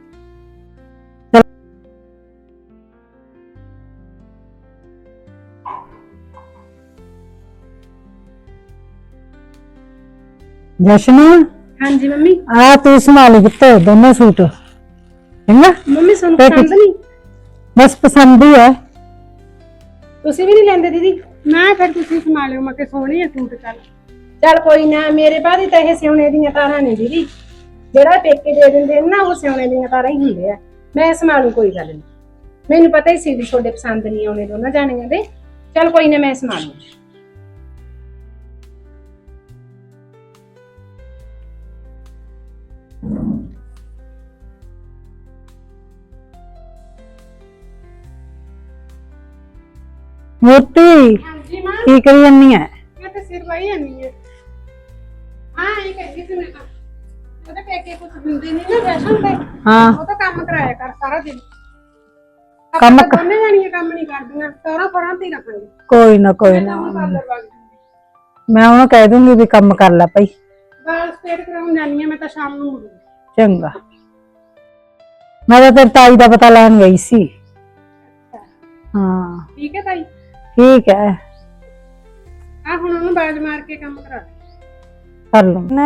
ਜਸ਼ਨ,
ਹਾਂਜੀ ਮੰਮੀ।
ਆ ਤੂੰ ਸੰਭਾਲੀ ਕਿਤੇ ਦੋਨੋਂ ਸੂਟ, ਚੰਗਾ?
ਮੰਮੀ ਤੁਹਾਨੂੰ
ਤੇ
ਪਸੰਦ ਨਹੀਂ?
ਬਸ ਪਸੰਦ ਹੀ ਹੈ।
ਤੁਸੀਂ ਵੀ ਨਹੀਂ ਲੈਂਦੇ ਦੀਦੀ?
ਮੈਂ ਫਿਰ ਤੁਸੀਂ ਸੰਭਾਲਿਓ, ਮੈਂ ਕਿ ਸੋਹਣੀ ਆ ਸੂਟ। ਚੱਲ
ਚੱਲ ਕੋਈ ਨਾ, ਮੇਰੇ ਬਾਦੀ ਤਾਂ ਇਹ ਸਿਉਣੇ ਦੀਆਂ ਤਾਰਾਂ ਨੇ ਦੀਦੀ, ਜਿਹੜਾ ਪੇਕੇ ਦੇ ਦਿੰਦੇ ਨੇ ਨਾ, ਉਹ ਸਿਉਣੇ ਦੀਆਂ ਤਾਰਾਂ ਹੀ ਹੁੰਦੇ ਆ। ਮੈਂ ਸੰਭਾਲੂ, ਕੋਈ ਗੱਲ ਨਹੀਂ, ਮੈਨੂੰ ਪਤਾ ਹੀ ਸੀ ਵੀ ਤੁਹਾਡੇ ਪਸੰਦ ਨਹੀਂ ਆਉਣੇ ਦੋਨਾਂ ਜਾਣੀਆਂ ਦੇ। ਚੱਲ ਕੋਈ ਨਾ, ਮੈਂ ਸੰਭਾਲੂ।
ਮੋਤੀ
ਹਾਂਜੀ ਮਾਂ,
ਕੀ ਕਰੀ ਜੰਨੀ ਹੈ?
ਮੈਂ ਤਾਂ ਸਿਰ ਵਾਈ ਆਨੀ ਹੈ। ਹਾਂ ਇਹ ਕਹਿੰਦੀ ਸੀ ਮੈਂ ਤਾਂ, ਉਹਦੇ ਪੇਕੇ ਕੁਝ ਦਿੰਦੇ ਨਹੀਂ ਨਾ ਰੈਸ਼ਨ ਤੇ,
ਹਾਂ,
ਉਹ ਤਾਂ ਕੰਮ ਕਰਾਇਆ ਕਰ ਸਾਰਾ ਦਿਨ।
ਕੰਮ
ਕੰਮ ਦੋਨੇ ਜਾਣੀਆਂ ਕੰਮ ਨਹੀਂ ਕਰਦੀਆਂ, ਸਾਰਾ ਫਰਾਂ ਤੇ ਹੀ ਰੱਖਾਂਗੇ।
ਕੋਈ ਨਾ ਕੋਈ ਨਾ,
ਕੰਮ ਪਾਰਲਰ ਵਾਲੀ
ਮੈਂ ਉਹਨੂੰ ਕਹਿ ਦੂੰਗੀ ਵੀ ਕੰਮ ਕਰ ਲੈ ਭਾਈ।
ਵਾਲ ਸਟੇਟ ਕਰਾਉਣ ਜਾਨੀ ਆ ਮੈਂ ਤਾਂ ਸ਼ਾਮ ਨੂੰ ਮੁੜੂੰਗੀ।
ਚੰਗਾ, ਮੈਂ ਤਾਂ ਤੇਰੀ ਤਾਈ ਦਾ ਪਤਾ ਲੈਣ ਗਈ ਸੀ। ਹਾਂ
ਠੀਕ ਹੈ ਤਾਈ,
ਠੀਕ ਹੈ,
ਆ ਹੁਣ ਉਹਨੂੰ ਬਾਜ ਮਾਰ ਕੇ ਕੰਮ ਕਰਾ ਦੇ।
ਕਰ ਲੂੰ ਨਾ।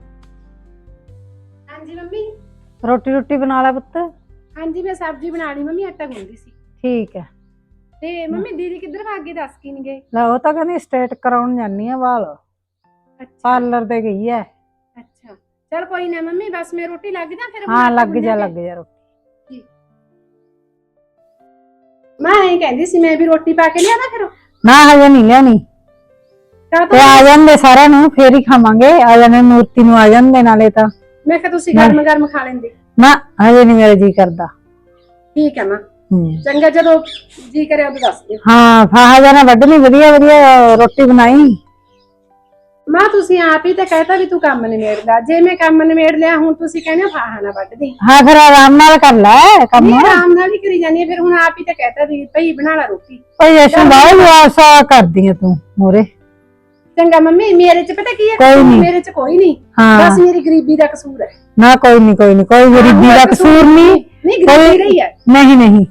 ਹਾਂਜੀ ਮੰਮੀ।
ਰੋਟੀ ਰੋਟੀ ਬਣਾ ਲੈ ਪੁੱਤ।
ਹਾਂਜੀ ਮੈਂ ਸਬਜ਼ੀ ਬਣਾ ਲਈ ਮੰਮੀ, ਆਟਾ ਗੁੰਨਦੀ ਸੀ।
ਠੀਕ ਹੈ।
ਤੇ ਮੰਮੀ ਦੀਦੀ ਕਿੱਧਰ ਭਾਗ ਗਏ, ਦੱਸ ਕੀ ਨਹੀਂ ਗਏ?
ਲੈ ਉਹ ਤਾਂ ਕਹਿੰਦੀ ਸਟੇਟ ਕਰਾਉਣ ਜਾਨੀ ਆ ਵਾਲ,
ਅੱਛਾ
ਪਾਰਲਰ ਤੇ ਗਈ ਹੈ।
ਅੱਛਾ, ਚੱਲ ਕੋਈ ਨਾ ਮੰਮੀ, ਬਸ ਮੈਂ ਰੋਟੀ ਲੱਗ ਜਾ ਫਿਰ।
ਹਾਂ ਲੱਗ ਜਾ ਲੱਗ ਜਾ ਰੋਟੀ।
ਮੈਂ ਐਂ ਕਹਿੰਦੀ ਸੀ ਮੈਂ ਵੀ ਰੋਟੀ ਪਾ ਕੇ ਲਿਆਦਾ ਫਿਰ
ਨਾ ਹਜੇ ਨਹੀਂ ਲਿਆਣੀ
ਕਾ
ਤੇ ਆ ਜਾਂਦੇ ਸਾਰਿਆਂ ਨੂੰ ਫੇਰ ਹੀ ਖਾਵਾਂਗੇ ਆ ਜਾਂਦੇ ਮੂਰਤੀ ਨੂੰ ਆ ਜਾਂਦੇ ਨਾਲੇ ਤਾਂ
ਮੈਂ ਕਿਹਾ ਤੁਸੀਂ ਗਰਮ ਗਰਮ ਖਾ ਲੈਂਦੇ
ਨਾ ਹਜੇ ਨਹੀਂ ਮੇਰਾ ਜੀ ਕਰਦਾ
ਠੀਕ ਹੈ ਮਾਂ
ਹੂੰ
ਚੰਗਾ ਜਦੋਂ ਜੀ ਕਰਿਆ ਉਦੋਂ ਦੱਸ ਦਿਓ
ਹਾਂ ਫਾਹਾ ਜਾਣਾ ਵੱਢਣੀ ਵਧੀਆ ਵਧੀਆ ਰੋਟੀ ਬਣਾਈ
ਮਾਂ ਤੁਸੀਂ ਆਪ ਹੀ ਤਾਂ ਕਹਿਤਾ ਵੀ ਤੂੰ ਕੰਮ ਨਿਬੇੜਦਾ ਜੇ ਮੈਂ ਕੰਮ ਨਿਬੇੜ ਲਿਆ ਹੁਣ ਤੁਸੀਂ ਕਹਿੰਦੇ ਹੋ ਫਾਹਾ ਨਾ ਵੱਢਦੀ
ਹਾਂ ਫਿਰ ਆਰਾਮ ਨਾਲ ਕਰ ਲੈ ਕੰਮ
ਨਹੀਂ ਆਰਾਮ ਨਾਲ ਹੀ ਕਰੀ ਜਾਂਦੀ ਹੈ ਫਿਰ ਹੁਣ ਆਪ ਹੀ ਤਾਂ ਕਹਿਤਾ ਵੀ ਭਈ ਬਣਾ ਲਾ ਰੋਟੀ
ਓਏ ਯਸ਼ਨ ਬਾਈ ਆਸਾ ਕਰਦੀ ਆ ਤੂੰ ਮੋਰੇ
ਚੰਗਾ ਮੰਮੀ ਮੇਰੇ ਚ ਪਤਾ ਕੀ ਹੈ
ਕੋਈ ਨੀ।
ਮੇਰੇ ਚ ਕੋਈ ਨਹੀਂ
ਹਾਂ
ਬਸ ਮੇਰੀ ਗਰੀਬੀ ਦਾ ਕਸੂਰ ਹੈ
ਨਾ ਕੋਈ ਨਹੀਂ ਕੋਈ ਨਹੀਂ ਕੋਈ ਗਰੀਬੀ ਦਾ ਕਸੂਰ ਨਹੀਂ
ਨਹੀਂ ਗਰੀਬੀ ਰਹੀ ਹੈ
ਨਹੀਂ ਨਹੀਂ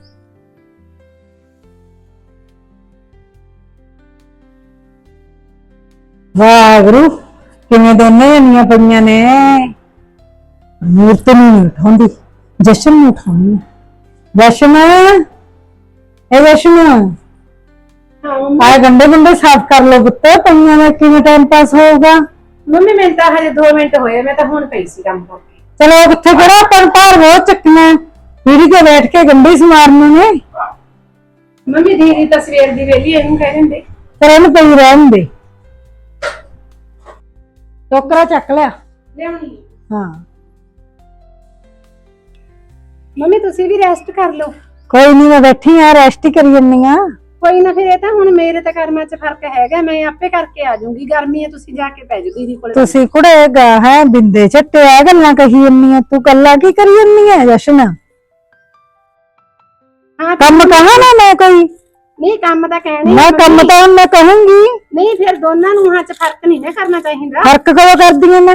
ਵਾਹਿਗੁਰੂ ਕਿਵੇਂ ਦੋਨੇ ਜਣੀਆਂ ਪਈਆਂ ਨੇ ਮੂਰਤੀ ਨੂੰ ਉਠਾਉਂਦੀ ਜਸ਼ਨ ਨੂੰ ਉਠਾਉਣੀ ਜਸ਼ਨ ਇਹ ਜਸ਼ਨ
ਹਾਂ ਮੰਮੀ
ਆਏ ਗੰਡੇ ਗੰਡੇ ਸਾਫ਼ ਕਰ ਲੋ ਪੁੱਤ ਪਈਆਂ ਦਾ ਕਿਵੇਂ ਟਾਈਮ ਪਾਸ ਹੋਊਗਾ
ਮੰਮੀ ਮੈਨੂੰ ਤਾਂ ਹਜੇ ਦੋ ਮਿੰਟ ਹੋਏ ਮੈਂ ਤਾਂ ਹੁਣ ਪਈ ਸੀ ਕੰਮ ਕਰਕੇ
ਚਲੋ ਕਿੱਥੇ ਕਰਾਂ ਪਰ ਭਾਰ ਬਹੁਤ ਚੱਕਣਾ ਪੀੜੀ ਤੇ ਬੈਠ ਕੇ ਗੰਡੇ ਸਮਾਰਨੇ ਨੇ
ਮੰਮੀ ਦੀਦੀ ਤਾਂ ਸਵੇਰ ਦੀ ਵੇਲੀ ਇਹਨੂੰ ਕਹਿ ਦਿੰਦੇ
ਪਰ ਇਹਨੂੰ ਪਈ ਰਹਿਣ ਦੇ ਟੋਕਰਾ ਚੱਕ ਲਿਆ
ਲਿਆਉਣੀ
ਹਾਂ
ਮੰਮੀ ਤੁਸੀਂ ਵੀ ਰੈਸਟ ਕਰ ਲਓ
ਕੋਈ ਨਹੀਂ ਮੈਂ ਬੈਠੀ ਆ ਰੈਸਟ ਹੀ ਕਰੀ ਜੰਨੀ ਆ
ਕੋਈ ਨਾ ਫਿਰ ਇਹ ਤਾਂ ਹੁਣ ਮੇਰੇ ਤਾਂ ਕਰਮਾਂ 'ਚ ਫਰਕ ਹੈਗਾ ਮੈਂ ਆਪੇ ਕਰਕੇ ਆ ਜਾਊਂਗੀ ਗਰਮੀ ਹੈ ਤੁਸੀਂ ਜਾ ਕੇ ਪੈ ਜਾਓ ਦੀਦੀ ਕੋਲ
ਤੁਸੀਂ ਕੁੜੇ ਗਾ ਹੈ ਬਿੰਦੇ ਝੱਟੇ ਆ ਗੱਲਾਂ ਕਹੀ ਜੰਨੀ ਆ ਤੂੰ ਗੱਲਾਂ ਕੀ ਕਰੀ ਜੰਨੀ ਆ ਜਸ਼ਨ
ਹਾਂ
ਕੰਮ ਕਹਾਂ ਨਾ ਮੈਂ ਕੋਈ
ਨਹੀਂ ਕੰਮ ਤਾਂ ਕਹਿਣੀ
ਮੈਂ ਕੰਮ ਤਾਂ ਹੁਣ ਮੈਂ ਕਹੂੰਗੀ
ਨਹੀਂ ਫਿਰ ਦੋਨਾਂ ਨੂੰ ਹਾਂ 'ਚ ਫਰਕ ਨਹੀਂ ਨਾ ਕਰਨਾ ਚਾਹੀਦਾ
ਫਰਕ ਕਦੋਂ ਕਰਦੀ ਆ ਮੈਂ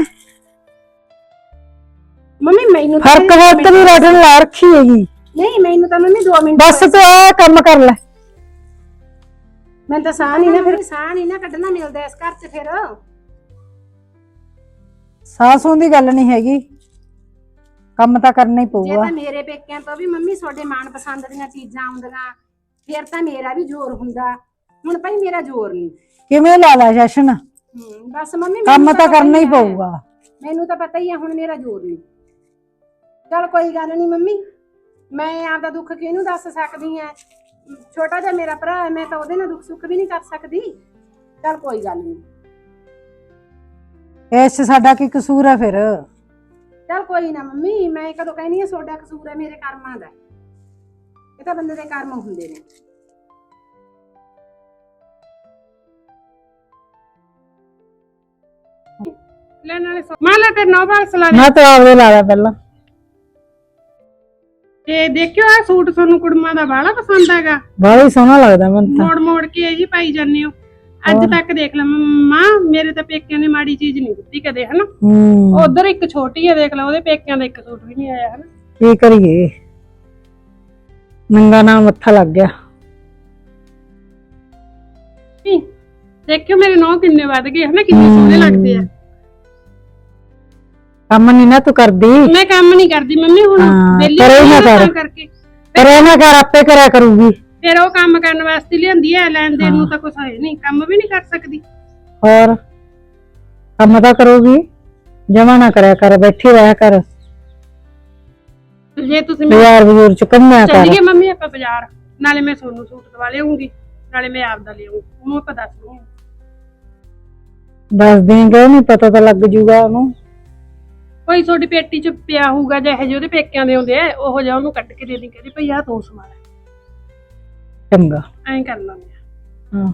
ਮੰਮੀ ਮੈਨੂੰ ਤਾਂ
ਫਰਕ ਬਹੁਤ ਵੀ ਰਟਣ ਲਾ ਰੱਖੀ ਹੈਗੀ
ਨਹੀਂ ਮੈਨੂੰ ਤਾਂ ਮੰਮੀ ਦੋ ਮਿੰਟ
ਬਸ ਤੂੰ ਆ ਕੰਮ ਕਰ ਲੈ
ਮੈਂ ਤਾਂ ਸਾਹ ਨਹੀਂ ਨਾ ਫਿਰ ਸਾਹ ਨਹੀਂ ਨਾ ਕੱਢਣਾ ਮਿਲਦਾ ਇਸ ਘਰ 'ਚ ਫਿਰ
ਸਾਸੋਂ ਦੀ ਗੱਲ ਨਹੀਂ ਹੈਗੀ ਕੰਮ ਤਾਂ ਕਰਨਾ ਹੀ
ਜੇ
ਪਊਗਾ
ਤਾਂ ਮੇਰੇ ਪੇਕਿਆਂ ਤੋਂ ਵੀ ਮੰਮੀ ਤੁਹਾਡੇ ਮਨ ਪਸੰਦ ਦੀਆਂ ਚੀਜ਼ਾਂ ਆਉਂਦੀਆਂ ਫਿਰ ਤਾਂ ਮੇਰਾ ਵੀ ਜ਼ੋਰ ਹੁੰਦਾ ਹੁਣ ਭਾਈ ਮੇਰਾ ਜ਼ੋਰ ਨਹੀਂ
ਕਿਵੇਂ ਲਾ ਲਾ ਜਸ਼ਨ
ਹੂੰ ਬਸ ਮੰਮੀ
ਕੰਮ
ਮੈਨੂੰ
ਤਾਂ
ਪਤਾ
ਕਰਨਾ ਹੀ
ਹੈ।
ਪਊਗਾ
ਮੈਨੂੰ ਤਾਂ ਪਤਾ ਹੀ ਹੈ ਹੁਣ ਮੇਰਾ ਜ਼ੋਰ ਨਹੀਂ ਚਲ ਕੋਈ ਗੱਲ ਨਹੀਂ ਮੰਮੀ ਮੈਂ ਆਪਦਾ ਦੁੱਖ ਕਿਹਨੂੰ ਦੱਸ ਸਕਦੀ ਆ ਛੋਟਾ ਜਿਹਾ ਮੇਰਾ ਭਰਾ ਹੈ ਮੈਂ ਤਾਂ ਉਹਦੇ ਨਾਲ ਦੁੱਖ ਸੁੱਖ ਵੀ ਨਹੀਂ ਕਰ ਸਕਦੀ ਚਲ ਕੋਈ ਗੱਲ ਨਹੀਂ
ਇਸ 'ਚ ਸਾਡਾ ਕੀ ਕਸੂਰ ਹੈ ਫਿਰ
ਚਲ ਕੋਈ ਨਾ ਮੰਮੀ ਮੈਂ ਕਦੋਂ ਕਹਿੰਦੀ ਆ ਤੁਹਾਡਾ ਕਸੂਰ ਹੈ ਮੇਰੇ ਕਰਮਾਂ ਦਾ ਇਹ ਤਾਂ ਬੰਦੇ ਦੇ ਕਰਮ ਹੁੰਦੇ ਨੇ
ਲੈ ਨਾਲੇ ਮਾਂ ਲੈ ਤੇ ਨੌ ਬਾਲ ਸਲਾ
ਮੈਂ ਤਾਂ ਆਪਦੇ ਲਾ ਲਿਆ ਪਹਿਲਾਂ
ਤੇ ਦੇਖਿਓ ਆ ਸੂਟ ਤੁਹਾਨੂੰ ਕੁੜਮਾਂ ਦਾ ਬਾਹਲਾ ਪਸੰਦ ਹੈਗਾ
ਬੜਾ ਹੀ ਸੋਹਣਾ ਲੱਗਦਾ ਮੈਨੂੰ ਤਾਂ
ਮੋੜ ਮੋੜ ਕੇ ਇਹ ਜੀ ਪਾਈ ਜਾਂਦੇ ਹੋ ਅੱਜ ਤੱਕ ਦੇਖ ਲਾ ਮਾਂ ਮੇਰੇ ਤਾਂ ਪੇਕਿਆਂ ਨੇ ਮਾੜੀ ਚੀਜ਼ ਨਹੀਂ ਦਿੱਤੀ ਕਦੇ ਹਨਾ
ਹੂੰ
ਉਧਰ ਇੱਕ ਛੋਟੀ ਆ ਦੇਖ ਲਾ ਉਹਦੇ ਪੇਕਿਆਂ ਦਾ ਇੱਕ ਸੂਟ ਵੀ ਨਹੀਂ ਆਇਆ ਹਨਾ
ਕੀ ਕਰੀਏ ਨੰਗਾ ਨਾਲ ਮੱਥਾ ਲੱਗ ਗਿਆ
ਨਹੀਂ, ਦੇਖਿਓ ਮੇਰੇ ਨੌ ਕਿੰਨੇ ਵੱਧ ਗਏ ਹਨਾ ਕਿੰਨੇ ਸੋਹਣੇ ਲੱਗਦੇ ਆ
ਕੰਮ ਨਹੀਂ ਨਾ ਤੂੰ ਕਰਦੀ
ਮੈਂ ਕੰਮ ਨਹੀਂ ਕਰਦੀ ਮੰਮੀ ਹੁਣ
ਹਾਂ,
ਵਿਹਲੀ
ਕਰੇ ਨਾ
ਹੋਈ ਆ
ਕਰ।
ਤਾਂ ਕਰਕੇ
ਪਰ ਇਹ ਨਾ ਕਰ ਆਪੇ ਕਰਿਆ ਕਰੂਗੀ
ਫਿਰ ਉਹ ਕੰਮ ਕਰਨ ਵਾਸਤੇ ਲਿਆਂਦੀ ਐ ਲੈਣ ਦੇਣ ਨੂੰ ਤਾਂ ਕੁਛ ਹੈ ਨਹੀਂ ਕੰਮ ਵੀ ਨਹੀਂ ਕਰ ਸਕਦੀ
ਹੋਰ ਕੰਮ ਤਾਂ ਕਰੂਗੀ ਜਮਾ ਨਾ ਕਰਿਆ ਕਰ ਬੈਠੀ ਰਹਿ ਕਰ
ਜੇ ਤੁਸੀਂ ਮੈਨੂੰ
ਬਾਜ਼ਾਰ ਬਜ਼ੂਰ ਚ ਕੰਮਿਆ ਕਰ
ਚੱਲੀਏ ਮੰਮੀ ਆਪਾਂ ਬਾਜ਼ਾਰ ਨਾਲੇ ਮੈਂ ਸੋਨੂੰ ਸੂਟ ਦਵਾ ਲਿਆਉਂਗੀ ਨਾਲੇ ਮੈਂ ਆਪ ਦਾ ਲਿਆਉਂਗੀ ਉਹਨੂੰ ਆਪਾਂ ਦੱਸ ਦੂੰਗੀ
ਦੱਸ ਦੇਂਗੇ ਨਹੀਂ ਪਤਾ ਤਾਂ ਲੱਗ ਜੂਗਾ ਉਹਨੂੰ
ਕੋਈ ਤੁਹਾਡੀ ਪੇਟੀ ਚ ਪਿਆ ਹੋਊਗਾ ਜਿਹੇ ਜਿਹੇ ਉਹਦੇ ਪੇਕਿਆਂ ਦੇ ਹੁੰਦੇ ਆ ਉਹੋ ਜਿਹਾ ਉਹਨੂੰ ਕੱਢ ਕੇ ਦੇ ਦੀ ਕਹਿੰਦੀ ਭਈ ਆਹ ਤੂੰ ਸਮਾਨ
ਚੰਗਾ
ਐਂ ਕਰ ਲਾਂਗੇ
ਹਾਂ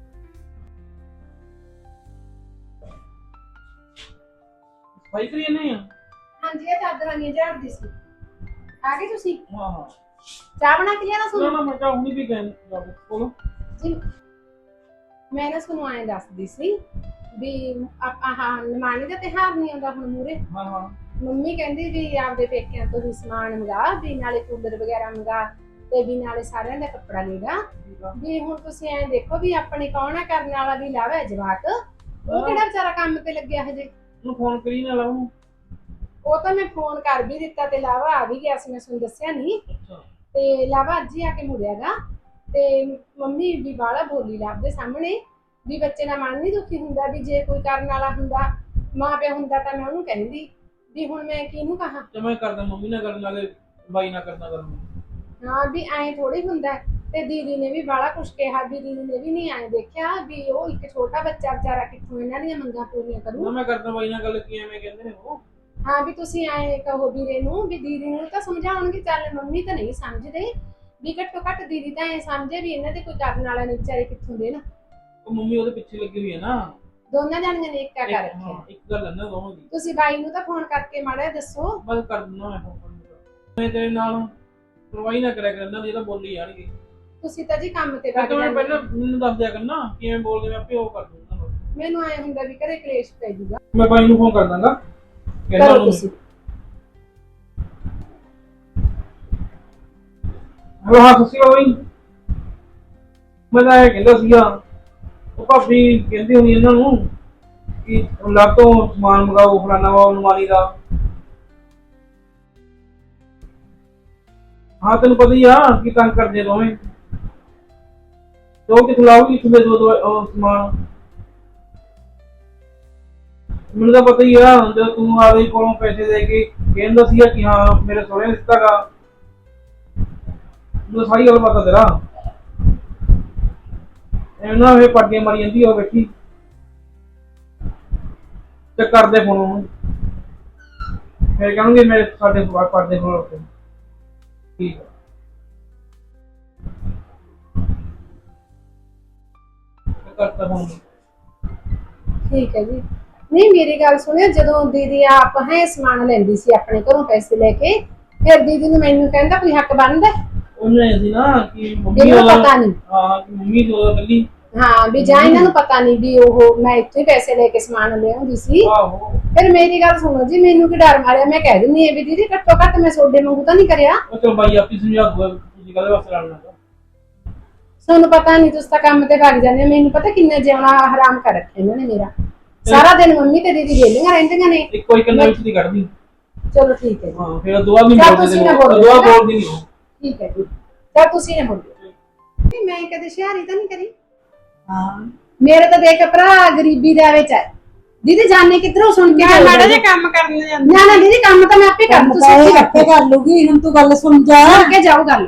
ਭਾਈ ਕਰੀ ਨਹੀਂ ਆ
ਹਾਂਜੀ ਇਹ ਚਾਦਰਾਂ ਨਹੀਂ ਝਾੜਦੀ ਸੀ ਆ ਗਏ ਤੁਸੀਂ
ਹਾਂ ਹਾਂ
ਚਾਹ ਬਣਾ ਕੇ ਲਿਆਣਾ
ਨਾ
ਸੁਣ
ਨਾ ਮੈਂ ਤਾਂ ਹੁਣੀ ਵੀ ਕਹਿਣ ਜਾਬੋ ਬੋਲੋ
ਜੀ ਮੈਂ ਨਾ ਤੁਹਾਨੂੰ ਐਂ ਦੱਸਦੀ ਸੀ ਵੀ ਆਪਾਂ ਹਾਂ ਨਿਮਾਣੀ ਦਾ ਤਿਉਹਾਰ ਨਹੀਂ ਆਉਂਦਾ ਹੁਣ ਮੂਰੇ
ਹਾਂ ਹਾਂ
ਮੰਮੀ ਕਹਿੰਦੀ ਵੀ ਆਪਦੇ ਪੇਕਿਆਂ ਤੋਂ ਵੀ ਸਮਾਨ ਮੰਗਾ ਵੀ ਨਾਲੇ ਕੂਲਰ ਵਗੈਰਾ ਮੰਗਾ ਤੇ ਵੀ ਨਾਲੇ ਸਾਰਿਆਂ ਦਾ ਕੱਪੜਾ ਲੈਗਾ ਵੀ ਹੁਣ ਤੁਸੀਂ ਐਂ ਦੇਖੋ ਵੀ ਆਪਣੇ ਕੌਣ ਆ ਕਰਨ ਵਾਲਾ ਵੀ ਲਾਵੇ ਜਵਾਕ ਉਹ ਕਿਹੜਾ ਵਿਚਾਰਾ ਕੰਮ ਤੇ ਲੱਗਿਆ ਹਜੇ
ਉਹਨੂੰ ਫੋਨ ਕਰੀ ਨਾ ਲਾਉਂ
ਉਹ ਤਾਂ ਮੈਂ ਫੋਨ ਕਰ ਵੀ ਦਿੱਤਾ ਤੇ ਲਾਵਾ ਆ ਵੀ ਗਿਆ ਸੀ ਮੈਂ ਤੁਹਾਨੂੰ ਦੱਸਿਆ ਨਹੀਂ
ਅੱਛਾ
ਤੇ ਲਾਵਾ ਅੱਜ ਹੀ ਆ ਕੇ ਮੁੜਿਆਗਾ ਤੇ ਮੰਮੀ ਵੀ ਬਾਲਾ ਬੋਲੀ ਲਾਭ ਦੇ ਸਾਹਮਣੇ ਵੀ ਬੱਚੇ ਦਾ ਮਨ ਨਹੀਂ ਦੁਖੀ ਹੁੰਦਾ ਵੀ ਜੇ ਕੋਈ ਕਰਨ ਵਾਲਾ ਹੁੰਦਾ ਮਾਂ ਪਿਓ ਹੁੰਦਾ ਤਾਂ ਮੈਂ ਉਹਨੂੰ ਕਹਿੰਦੀ ਵੀ ਹੁਣ ਮੈਂ ਕਿਹਨੂੰ ਕਹਾਂ
ਤੇ ਮੈਂ ਕਰਦਾ ਮੰਮੀ ਨਾਲ ਕਰਨ ਨਾਲੇ ਬਾਈ ਨਾਲ ਕਰਨਾ ਕਰਨਾ
ਹਾਂ ਵੀ ਐਂ ਥੋੜੀ ਹੁੰਦਾ ਤੇ ਦੀਦੀ ਨੇ ਵੀ ਬਾਹਲਾ ਕੁਛ ਕਿਹਾ, ਦੀਦੀ ਨੇ ਵੀ ਨਹੀਂ ਆਏ ਦੇਖਿਆ ਵੀ ਉਹ ਇੱਕ ਛੋਟਾ ਬੱਚਾ ਵਿਚਾਰਾ ਕਿੱਥੋਂ ਇਹਨਾਂ ਦੀਆਂ ਮੰਗਾਂ ਪੂਰੀਆਂ
ਨਾ
ਕਰੂ।
ਮੈਂ ਕਰਦਾ ਬਾਈ ਨਾਲ ਗੱਲ, ਕੀ ਐਵੇਂ ਕਹਿੰਦੇ ਨੇ ਉਹ।
ਹਾਂ ਵੀ ਤੁਸੀਂ ਆਏ ਕਹੋ ਵੀਰੇ ਨੂੰ ਵੀ ਦੀਦੀ ਨੂੰ ਤਾਂ ਸਮਝਾਉਣਗੇ, ਚੱਲ ਮੰਮੀ ਤਾਂ ਨਹੀਂ ਸਮਝਦੇ ਵੀ ਘੱਟੋ ਘੱਟ ਦੀਦੀ ਤਾਂ ਐ ਸਮਝੇ ਵੀ ਇਹਨਾਂ ਦੇ ਕੋਈ ਕਰਨ ਵਾਲਾ ਨਹੀਂ ਵਿਚਾਰੇ ਕਿੱਥੋਂ ਦੇ ਨਾ।
ਉਹ ਮੰਮੀ ਉਹਦੇ ਪਿੱਛੇ ਲੱਗੀ ਹੋਈ ਹੈ ਨਾ।
ਦੋਨਾਂ ਜਾਣੀਆਂ ਨੇ ਇੱਕਾ ਕਰ
ਇੱਕ-
ਰੱਖਿਆ।
ਹਾਂ, ਇੱਕ ਗੱਲ ਹੈ ਨਾ ਦੋਵਾਂ ਦੀ।
ਤੁਸੀਂ ਬਾਈ ਨੂੰ ਤਾਂ ਫੋਨ ਕਰਕੇ ਮਾੜਾ ਜਿਹਾ ਦੱਸੋ।
ਬਸ ਕਰ ਦਿੰਦਾ ਮੈਂ ਫੋਨ। ਮੈਂ ਤੇਰੇ ਨਾਲ ਪਰਵਾਹੀ ਨਾ ਕਰਿਆ ਕਰਨਾ, ਜੇ ਤਾਂ ਬੋਲੀ ਜਾਣਗੇ।
ਤੁਸੀਂ ਤਾਂ ਜੀ ਕੰਮ ਤੇ
ਫਿਰ
ਵਗ
ਤਾਂ ਮੈਂ
ਜਾਂਦੇ
ਪਹਿਲਾਂ ਮੈਨੂੰ ਦੱਸ ਦਿਆ ਕਰਨਾ ਕਿਵੇਂ ਬੋਲਦੇ, ਮੈਂ ਆਪੇ ਉਹ ਕਰ ਦੂੰਗਾ।
ਮੈਨੂੰ ਐ ਹੁੰਦਾ ਵੀ ਘਰੇ ਕਲੇਸ਼ ਪੈ ਜਾਊਗਾ।
ਮੈਂ ਬਾਈ ਨੂੰ ਫੋਨ ਕਰ ਦਾਂਗਾ। ਕਹਿੰਦਾ
ਕਰੋ
ਉਹਨੂੰ
ਤੁਸੀਂ।
ਹੈਲੋ, ਹਾਂ ਤੁਸੀਂ ਬਾਈ। ਮੈਂ ਤਾਂ ਇਹ ਕਹਿੰਦਾ ਸੀਗਾ, ਉਹ ਭਾਬੀ ਕਹਿੰਦੀ ਹੋਣੀ ਇਹਨਾਂ ਨੂੰ ਕਿ ਲੱਗ ਤੋਂ ਸਮਾਨ ਮੰਗਾਓ, ਫਲਾਣਾ ਵਾ ਅਲਮਾਰੀ ਦਾ। ਹਾਂ ਤੈਨੂੰ ਪਤਾ ਹੀ ਆ ਕਿ ਤੰਗ ਕਰਦੇ ਦੋਵੇਂ। ਦੋ ਕਿਥੋਂ ਲਾਓਗੀ, ਕਿਥੋਂ ਦੋ ਦੋ ਉਹ ਸਮਾਨ। ਮੈਨੂੰ ਤਾਂ ਪਤਾ ਹੀ ਆ, ਜਦੋਂ ਤੂੰ ਆਦੇ ਕੋਲੋਂ ਪੈਸੇ ਦੇ ਕੇ ਕਹਿੰਦਾ ਸੀਗਾ ਕਿ ਹਾਂ ਮੇਰੇ ਸਹੁਰੇ ਨੇ ਦਿੱਤਾ ਗਾ, ਮੈਨੂੰ ਸਾਰੀ ਗੱਲ ਪਤਾ ਤੇਰਾ। ਐਵੇਂ ਨਾ ਇਹ ਪਾਟੀਆਂ ਮਾਰੀ ਜਾਂਦੀ ਉਹ ਬੈਠੀ। ਤੇ ਕਰਦੇ ਫੋਨ ਉਹਨੂੰ, ਫਿਰ ਕਹਾਂਗੇ ਮੇਰੇ ਸਾਡੇ ਸਵਾਲ ਪੜਦੇ ਫੋਨ ਉੱਤੇ। ਠੀਕ ਆ। ਕਰਤਾ ਫੋਨ।
ਠੀਕ ਹੈ ਜੀ। ਨਹੀਂ ਮੇਰੀ ਗੱਲ ਸੁਣਿਓ, ਜਦੋਂ ਦੀਦੀ ਆਪ ਹੈ ਸਮਾਨ ਲੈਂਦੀ ਸੀ ਆਪਣੇ ਘਰੋਂ ਪੈਸੇ ਲੈ ਕੇ, ਫਿਰ ਦੀਦੀ ਨੂੰ ਮੈਨੂੰ ਕਹਿੰਦਾ ਕੋਈ ਹੱਕ ਬਣਦਾ।
ਉਹਨੇ ਅਸੀਂ ਨਾ ਕਿ ਮੰਮੀ
ਇਹਨੂੰ
ਉਹਦਾ
ਪਤਾ ਨਹੀਂ।
ਹਾਂ ਕਿ ਮੰਮੀ ਤੋਂ ਕੱਲੀ।
ਹਾਂ ਵੀ ਜਾਂ ਇਹਨਾਂ ਨੂੰ ਪਤਾ ਨਹੀਂ ਵੀ ਉਹ ਮੈਂ ਇੱਥੇ ਪੈਸੇ ਲੈ ਕੇ ਸਮਾਨ ਲਿਆਉਂਦੀ ਸੀ।
ਆਹੋ
ਫਿਰ ਮੇਰੀ ਗੱਲ ਸੁਣੋ ਜੀ, ਮੈਨੂੰ ਕੀ ਡਰ ਮਾਰਿਆ, ਮੈਂ ਕਹਿ ਦਿੰਦੀ ਆ ਵੀ ਦੀਦੀ ਘੱਟੋ ਘੱਟ ਮੈਂ ਤੁਹਾਡੇ ਵਾਂਗੂ ਤਾਂ ਨਹੀਂ ਕਰਿਆ।
ਉਹ ਚਲ ਬਾਈ ਆਪੀ ਸਮਝਾ ਦੂਗਾ, ਤੁਸੀਂ ਕਾਹਦੇ ਵਾਸਤੇ ਲੜਨਾ।
ਤੁਹਾਨੂੰ ਪਤਾ ਨਹੀਂ, ਤੁਸੀਂ ਤਾਂ ਕੰਮ ਤੇ ਭੱਜ ਜਾਂਦੇ ਹੋ। ਮੈਨੂੰ ਪਤਾ ਕਿੰਨਾ ਜਿਉਣਾ ਹਰਾਮ ਕਰ ਰੱਖਿਆ ਇਹਨਾਂ ਨੇ ਮੇਰਾ। ਸਾਰਾ ਦਿਨ ਮੰਮੀ ਤੇ ਦੀਦੀ ਵੇਲੀਆਂ ਰਹਿੰਦੀਆਂ ਨੇ।
ਇੱਕੋ ਇੱਕ ਕੰਨਾਂ ਵਿੱਚ ਦੀ ਕੱਢਦੀ।
ਚਲੋ ਠੀਕ ਹੈ ਜੀ।
ਹਾਂ ਫਿਰ ਦੁਆ ਵੀ
ਚੱਲ
ਬੋਲਦੇ
ਤੁਸੀਂ ਨਾ
ਨੇ,
ਬੋਲੋ।
ਦੁਆ ਬੋਲਦੀ ਨਹੀਂ ਉਹ।
ਠੀਕ ਹੈ ਜੀ। ਤਾਂ ਤੁਸੀਂ ਨਾ ਬੋਲੋ। ਨਹੀਂ ਮੈਂ ਕਦੇ ਸ਼ਿਆਰੀ ਤਾਂ ਨਹੀਂ ਕਰੀ।
ਹਾਂ
ਮੇਰੇ ਤਾਂ ਦੇਖ ਭਰਾ ਗਰੀਬੀ ਦੇ ਵਿੱਚ ਹੈ। ਦੀਦੀ ਜਾਣੇ ਕਿੱਧਰੋਂ ਸੁਣ ਕੇ
ਮੈਂ ਮਾੜਾ ਜਿਹਾ ਕੰਮ ਕਰਨ ਜਾਂਦੀ।
ਨਾ ਨਾ ਦੀਦੀ ਕੰਮ ਤਾਂ ਮੈਂ ਆਪੇ ਕਰ ਦੂੰ, ਤੁਸੀਂ
ਤੁਸੀਂ
ਇੱਥੇ
ਆਪੇ ਕਰ ਲੂਗੀ। ਹੁਣ ਤੂੰ ਗੱਲ ਸੁਣ ਜਾ।
ਅੱਗੇ ਜਾਓ ਗੱਲ।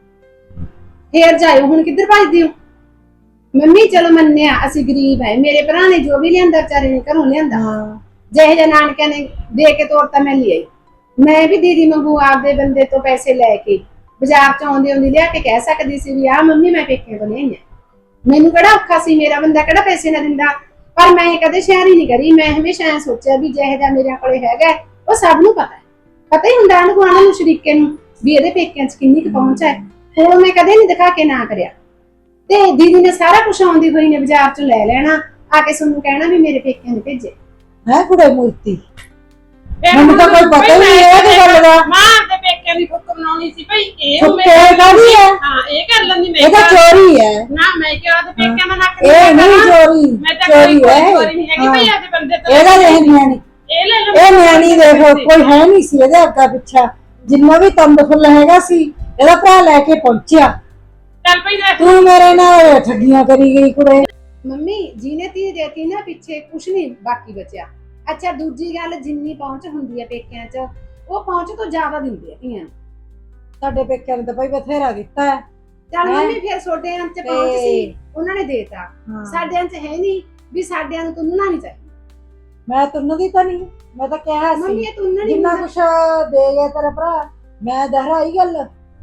ਫੇਰ ਜਾਇਓ, ਹੁਣ ਕਿੱਧਰ ਭੱਜਦੇ ਹੋ? ਮੰਮੀ ਚਲੋ ਮੰਨਿਆ ਅਸੀਂ ਗਰੀਬ ਹੈ, ਮੇਰੇ ਭਰਾ ਨੇ ਜੋ ਵੀ ਲਿਆਂਦਾ ਵਿਚਾਰੇ ਨੇ ਘਰੋਂ ਲਿਆਂਦਾ।
ਹਾਂ
ਜਿਹੇ ਜਿਹੇ ਨਾਨਕਿਆਂ ਨੇ ਦੇ ਕੇ ਤੋਰਤਾ ਮੈਂ ਲਈ ਆਈ। ਮੈਂ ਵੀ ਦੀਦੀ ਵਾਂਗੂ ਆਪਦੇ ਬੰਦੇ ਤੋਂ ਪੈਸੇ ਲੈ ਕੇ ਬਾਜ਼ਾਰ ਚ ਆਉਂਦੀ ਆਉਂਦੀ ਲਿਆ ਕੇ ਕਹਿ ਸਕਦੀ ਸੀ ਵੀ ਆ ਮੰਮੀ ਮੈਂ ਪੇਕੇ ਤੋਂ ਲਿਆਈ ਆ। ਮੈਨੂੰ ਕਿਹੜਾ ਔਖਾ ਸੀ, ਮੇਰਾ ਬੰਦਾ ਕਿਹੜਾ ਪੈਸੇ ਨਾ ਦਿੰਦਾ। ਪਰ ਮੈਂ ਕਦੇ ਸ਼ਹਿਰੀ ਨਹੀਂ ਕਰੀ। ਮੈਂ ਹਮੇਸ਼ਾ ਐ ਸੋਚਿਆ ਵੀ ਜਿਹੇ ਜਿਹਾ ਮੇਰੇ ਕੋਲੇ ਹੈਗਾ ਉਹ ਸਭ ਨੂੰ ਪਤਾ ਹੈ। ਪਤਾ ਹੀ ਹੁੰਦਾ ਅਨੁ ਗੁਆਂਢ ਨੂੰ, ਸ਼ਰੀਕੇ ਨੂੰ ਵੀ ਇਹਦੇ ਪੇਕਿਆਂ ਚ ਕਿੰਨੀ ਕੁ ਪਹੁੰਚ ਹੈ। ਹੁਣ ਮੈਂ ਕਦੇ ਨਹੀਂ ਦਿਖਾ ਕੇ ਨਾ ਕਰਿਆ। ਤੇ ਦੀਦੀ ਨੇ ਸਾਰਾ ਕੁਝ ਆਉਂਦੀ ਹੋਈ ਨੇ ਬਾਜ਼ਾਰ ਚ ਲੈ ਲੈਣਾ, ਆ ਕੇ ਤੁਹਾਨੂੰ ਕਹਿਣਾ ਵੀ ਮੇਰੇ ਪੇਕਿਆਂ ਨੇ ਭੇਜੇ।
ਹੈ ਕੁੜੇ ਮੂਰਤੀ।
ਫਿਰ
ਮੈਨੂੰ ਤਾਂ ਕੋਈ ਪਤਾ ਹੀ ਨਹੀਂ ਇਹਦੀ ਗੱਲ ਦਾ।
ਮਾਂ ਦੇ ਪੇਕਿਆਂ ਦੀ ਫੁੱਕ ਬਣਾਉਣੀ ਸੀ ਭਈ ਇਹ
ਫੁੱਕੇ ਕਾਹਦੀ ਹੈ?
ਹਾਂ ਇਹ ਕਰ ਲੈਂਦੀ ਮੈਂ।
ਇਹ ਤਾਂ ਚੋਰੀ ਹੈ।
ਨਾ ਮੈਂ ਕਿਹਾ ਤੇ ਪੇਕਿਆਂ ਦਾ ਨੱਕ
ਇਹ ਨਹੀਂ ਚੋਰੀ,
ਮੈਂ ਤਾਂ
ਚੋਰੀ
ਕੋਈ
ਹੈ।
ਚੋਰੀ ਨਹੀਂ ਹੈਗੀ ਭਈ ਆਦੇ ਬੰਦੇ ਤੋਂ।
ਇਹਦਾ ਦੇਖ ਨਿਆਣੀ,
ਇਹ ਲੈ ਲਓ।
ਇਹ ਨਿਆਣੀ ਦੇਖੋ ਕੋਈ ਹੈ ਨਹੀਂ ਸੀ ਇਹਦੇ ਅੱਗਾ ਪਿੱਛਾ। ਜਿੰਨਾ ਵੀ ਤੰਦ ਫੁੱਲ ਹੈਗਾ ਸੀ ਇਹਦਾ ਭਰਾ ਲੈ ਕੇ ਪਹੁੰਚਿਆ।
ਚੱਲ ਭਈ ਦੇਖ
ਤੂੰ ਮੇਰੇ ਨਾਲ ਠੱਗੀਆਂ ਕਰੀ ਗਈ ਕੁੜੇ।
ਮੰਮੀ ਜਿਹਨੇ ਧੀ ਦੇਤੀ ਨਾ ਪਿੱਛੇ ਕੁਛ ਨਹੀਂ ਬਾਕੀ ਬਚਿਆ। ਅੱਛਾ ਦੂਜੀ ਗੱਲ, ਜਿੰਨੀ ਪਹੁੰਚ ਹੁੰਦੀ ਹੈ ਪੇਕਿਆਂ 'ਚ ਉਹ ਪਹੁੰਚ ਤੋਂ ਜ਼ਿਆਦਾ ਦਿੰਦੇ ਆ ਧੀਆਂ।
ਸਾਡੇ ਪੇਕਿਆਂ ਨੇ ਤਾਂ ਭਾਈ ਬਥੇਰਾ ਦਿੱਤਾ ਹੈ।
ਚੱਲ
ਹੈਂ?
ਮੰਮੀ ਫਿਰ ਛੋਟਿਆਂ 'ਚ ਪਹੁੰਚ
ਤੇ-
ਸੀ, ਉਹਨਾਂ ਨੇ ਦੇਤਾ।
ਹਾਂ।
ਸਾਡਿਆਂ 'ਚ ਹੈ ਨਹੀਂ ਵੀ ਸਾਡਿਆਂ ਨੂੰ ਤੁੰਨਣਾ ਨਹੀਂ ਚਾਹੀਦਾ।
ਮੈਂ ਤੁੰਨ ਦੀ ਤਾਂ ਨਹੀਂ, ਮੈਂ ਤਾਂ ਕਿਹਾ
ਮੰਮੀ
ਸੀ
ਇਹ ਤੁੰਨਣ ਨਹੀਂ
ਜਿੰਨਾ
ਹੁੰਦਾ।
ਕੁਛ ਦੇ ਗਿਆ ਤੇਰਾ ਭਰਾ। ਮੈਂ ਦਹਰਾਈ ਗੱਲ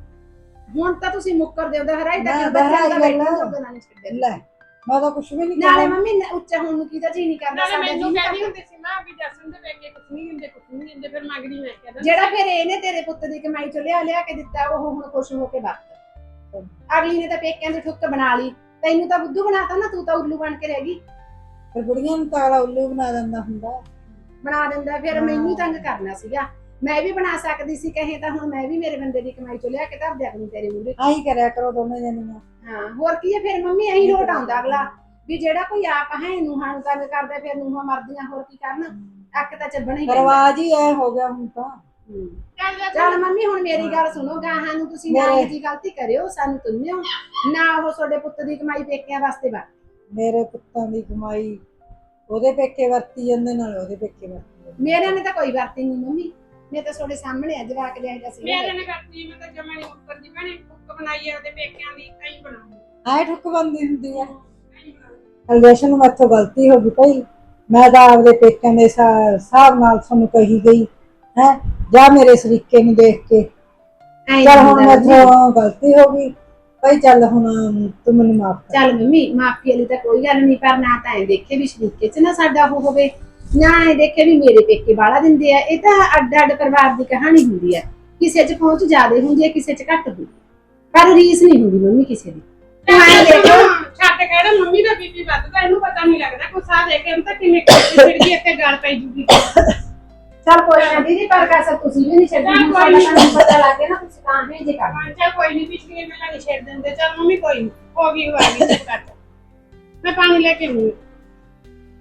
ਹੁਣ ਤਾਂ ਤੁਸੀਂ ਮੁੱਕਰ ਦਿਓ ਹਰਾਈ
ਮੈਂ
ਤੱਕ
ਬਾਹਰ
ਬੱਚਿਆਂ ਦਾ
ਆਈ
ਬੈਠਣ
ਗੱਲ।
ਜੋਗਾ ਨਾ ਨਹੀਂ ਛੱਡਿਆ।
ਲੈ ਮੈਂ ਤਾਂ ਕੁਛ ਵੀ ਨਹੀਂ
ਨਾਲੇ
ਕਿਹਾ।
ਮੰਮੀ ਨ- ਉੱਚਾ ਹੋਣ ਨੂੰ ਕਿਹਦਾ ਜੀ ਨਹੀਂ ਕਰਦਾ।
ਨਾਲੇ
ਸਾਡਾ
ਮੈਨੂੰ
ਜੀਅ
ਕਹਿੰਦੀ
ਕਰਦਾ।
ਹੁੰਦੀ ਸੀ ਮਾਂ ਵੀ ਜਸਨ ਦੇ ਪੇਕੇ ਕੁਛ ਨਹੀਂ ਦਿੰਦੇ ਕੁਛ ਨਹੀਂ ਦਿੰਦੇ। ਫਿਰ ਮੰਗਦੀ ਮੈਂ ਕਹਿੰਦਾ
ਜਿਹੜਾ ਫਿਰ ਇਹਨੇ ਤੇਰੇ ਪੁੱਤ ਦੀ ਕਮਾਈ ਚੋਂ ਲਿਆ ਲਿਆ ਕੇ ਦਿੱਤਾ ਉਹ ਹੁਣ ਖੁਸ਼ ਹੋ ਕੇ ਵਰਤ। ਅਗਲੀ ਨੇ ਤਾਂ ਪੇਕਿਆਂ ਦੀ ਠੁੱਕ ਬਣਾ ਲਈ, ਤੈਨੂੰ ਤਾਂ ਬੁੱਧੂ ਬਣਾਤਾ ਨਾ, ਤੂੰ ਤਾਂ ਉੱਲੂ ਬਣ ਕੇ ਰਹਿ ਗਈ।
ਫਿਰ ਬੁੜੀਆਂ ਨੂੰ ਤਾਲਾ ਉੱਲੂ ਬਣਾ ਦਿੰਦਾ ਹੁੰਦਾ।
ਬਣਾ ਦਿੰਦਾ ਫਿਰ
ਹਾਂ।
ਮੈਨੂੰ ਤੰਗ ਕਰਨਾ ਸੀਗਾ। ਮੈਂ ਵੀ ਬਣਾ ਸਕਦੀ ਸੀ ਕਹੇ ਤਾਂ ਹੁਣ ਮੈਂ ਵੀ ਮੇਰੇ ਬੰਦੇ ਦੀ ਕਮਾਈ ਚੋਂ ਲਿਆ ਕੇ ਧਰ ਦਿਆ ਕਰੂੰ ਤੇਰੇ ਮੂਹਰੇ।
ਆਹੀ ਕਰਿਆ ਕਰੋ ਦੋਨੇ ਜਣੀਆਂ।
ਹਾਂ ਹੋਰ ਕੀ ਹੈ ਫਿਰ ਮੰਮੀ, ਇਹੀ ਲੋਟ ਆਉਂਦਾ ਅਗਲਾ ਵੀ ਜਿਹੜਾ ਕੋਈ ਆਪ ਹੈ ਨੂੰਹਾਂ ਨੂੰ ਤੰਗ ਕਰਦਾ ਫਿਰ ਨੂੰਹਾਂ ਮਰਦੀਆਂ ਹੋਰ ਕੀ ਕਰਨ। ਅੱਕ ਤਾਂ ਚੱਬਣਾ ਹੀ ਪੈਂਦਾ।
ਰਵਾਜ ਹੀ ਐ ਹੋ ਗਿਆ ਹੁਣ ਤਾਂ।
ਹੂੰ।
ਚੱਲ ਜਾ
ਚੱਲ ਮੰਮੀ ਹੁਣ ਮੇਰੀ ਗੱਲ ਸੁਣੋ, ਗਾਹਾਂ ਨੂੰ ਤੁਸੀਂ ਨਾ
ਮੇਰੇ-
ਇਹ ਜੀ ਗਲਤੀ ਕਰਿਓ, ਸਾਨੂੰ ਤੁੰਨਿਓ ਨਾ। ਉਹ ਤੁਹਾਡੇ ਪੁੱਤ ਦੀ ਕਮਾਈ ਪੇਕਿਆਂ ਵਾਸਤੇ ਵਾ।
ਮੇਰੇ ਪੁੱਤਾਂ ਦੀ ਕਮਾਈ ਉਹਦੇ ਪੇਕੇ ਵਰਤੀ ਜਾਂਦੇ ਨਾਲ ਉਹਦੇ ਪੇਕੇ ਵਰਤੀ ਜਾਂਦੇ।
ਮੇਰੇ ਨੇ ਤਾਂ ਕੋਈ ਵਰਤੀ ਨਹੀਂ ਮੰਮੀ। ਮੈਂ ਤਾਂ ਤੁਹਾਡੇ ਸਾਹਮਣੇ ਆ ਜਵਾਕ ਜਿਹਾ ਜਿਹਾ ਸੀ
ਮੇਰੇ ਨੇ ਕਰਤੀ ਮੈਂ ਤਾਂ ਜਮਾ ਨਹੀਂ ਉੱਤਰ ਦੀ ਭੈਣੇ ਕੁੱਕ ਬਣਾਈ ਆ ਉਹਦੇ ਪੇਕਿਆਂ ਦੀ ਕਈ ਬਣਾਉਂਦੀ
ਆਏ ਠੁੱਕ ਬੰਦੀ ਹੁੰਦੀ ਆ ਅਲਵੇਸ਼ਨ ਨੂੰ ਮੈਥੋਂ ਗਲਤੀ ਹੋ ਗਈ ਭਾਈ ਮੈਂ ਤਾਂ ਆਪਦੇ ਪੇਕਿਆਂ ਦੇ ਹਿਸਾ- ਹਿਸਾਬ ਨਾਲ ਤੁਹਾਨੂੰ ਕਹੀ ਗਈ ਹੈ ਜਾਂ ਮੇਰੇ ਸਰੀਕੇ ਨੂੰ ਦੇਖ ਕੇ
ਐਂ
ਚੱਲ ਹੁਣ
ਹੁੰਦਾ ਮੰਮੀ।
ਮੈਥੋਂ ਗਲਤੀ ਹੋ ਗਈ ਭਾਈ ਚੱਲ ਹੁਣ ਤੂੰ ਮੈਨੂੰ ਮਾਫ ਕਰ
ਚੱਲ ਮੰਮੀ ਮਾਫੀ ਵਾਲੀ ਤਾਂ ਕੋਈ ਗੱਲ ਨਹੀਂ ਪਰ ਨਾ ਤਾਂ ਐ ਦੇਖੇ ਵੀ ਸ਼ਰੀਕੇ ਚ ਨਾ ਸਾਡਾ ਉਹ ਹੋਵੇ ਨਾ ਐ ਦੇਖੇ ਵੀ ਮੇਰੇ ਪੇਕੇ ਬਾਲਾ ਦਿੰਦੇ ਆ ਇਹ ਤਾਂ ਅੱਡ ਅੱਡ ਪਰਿਵਾਰ ਦੀ ਕਹਾਣੀ ਹੁੰਦੀ ਹੈ ਕਿਸੇ ਚ ਪਹੁੰਚ ਜ਼ਿਆਦੇ ਹੁੰਦੀ ਹੈ ਕਿਸੇ ਚ ਘੱਟ ਹੁੰਦੀ ਹੈ। ਪਰ ਰੀਸ ਨਹੀਂ ਹੁੰਦੀ ਮੰਮੀ ਕਿਸੇ ਦੀ ਤੂੰ ਐਂ ਦੇਖੋ
ਛੱਡ ਕਹਿਣਾ ਮੰਮੀ ਦਾ ਬੀਪੀ ਵੱਧਦਾ ਇਹਨੂੰ ਪਤਾ ਨਹੀਂ ਲੱਗਦਾ ਗੁੱਸਾ ਦੇ ਕੇ ਤਾਂ ਕਿਵੇਂ ਕਰਦੀ ਫਿਰਦੀ ਇੱਥੇ ਗੱਲ ਪੈ ਜੂਗੀ
ਚੱਲ ਕੋਈ ਨਾ ਦੀਦੀ ਪਰ ਕਸਰ ਤੁਸੀਂ ਵੀ ਨਹੀਂ ਛੱਡੀ
ਚੱਲ ਕੋਈ
ਸਾਡਾ
ਨੀ।
ਤੁਹਾਨੂੰ ਪਤਾ ਲੱਗ ਗਿਆ ਨਾ ਤੁਸੀਂ ਤਾਂ ਹੈ ਜੇ ਕਰ
ਹਾਂ ਚੱਲ ਕੋਈ ਨਹੀਂ ਪਿਛਲੀ ਮੇਲਾ ਨਹੀਂ ਛੇੜ ਦਿੰਦੇ ਚੱਲ ਮੰਮੀ ਕੋਈ ਨੀ ਹੋ ਗਈ ਹੋ ਗਈ ਚੁੱਪ ਕਰ ਜਾ। ਮੈਂ ਪਾਣੀ ਲੈ ਕੇ ਆਉਂਦੀ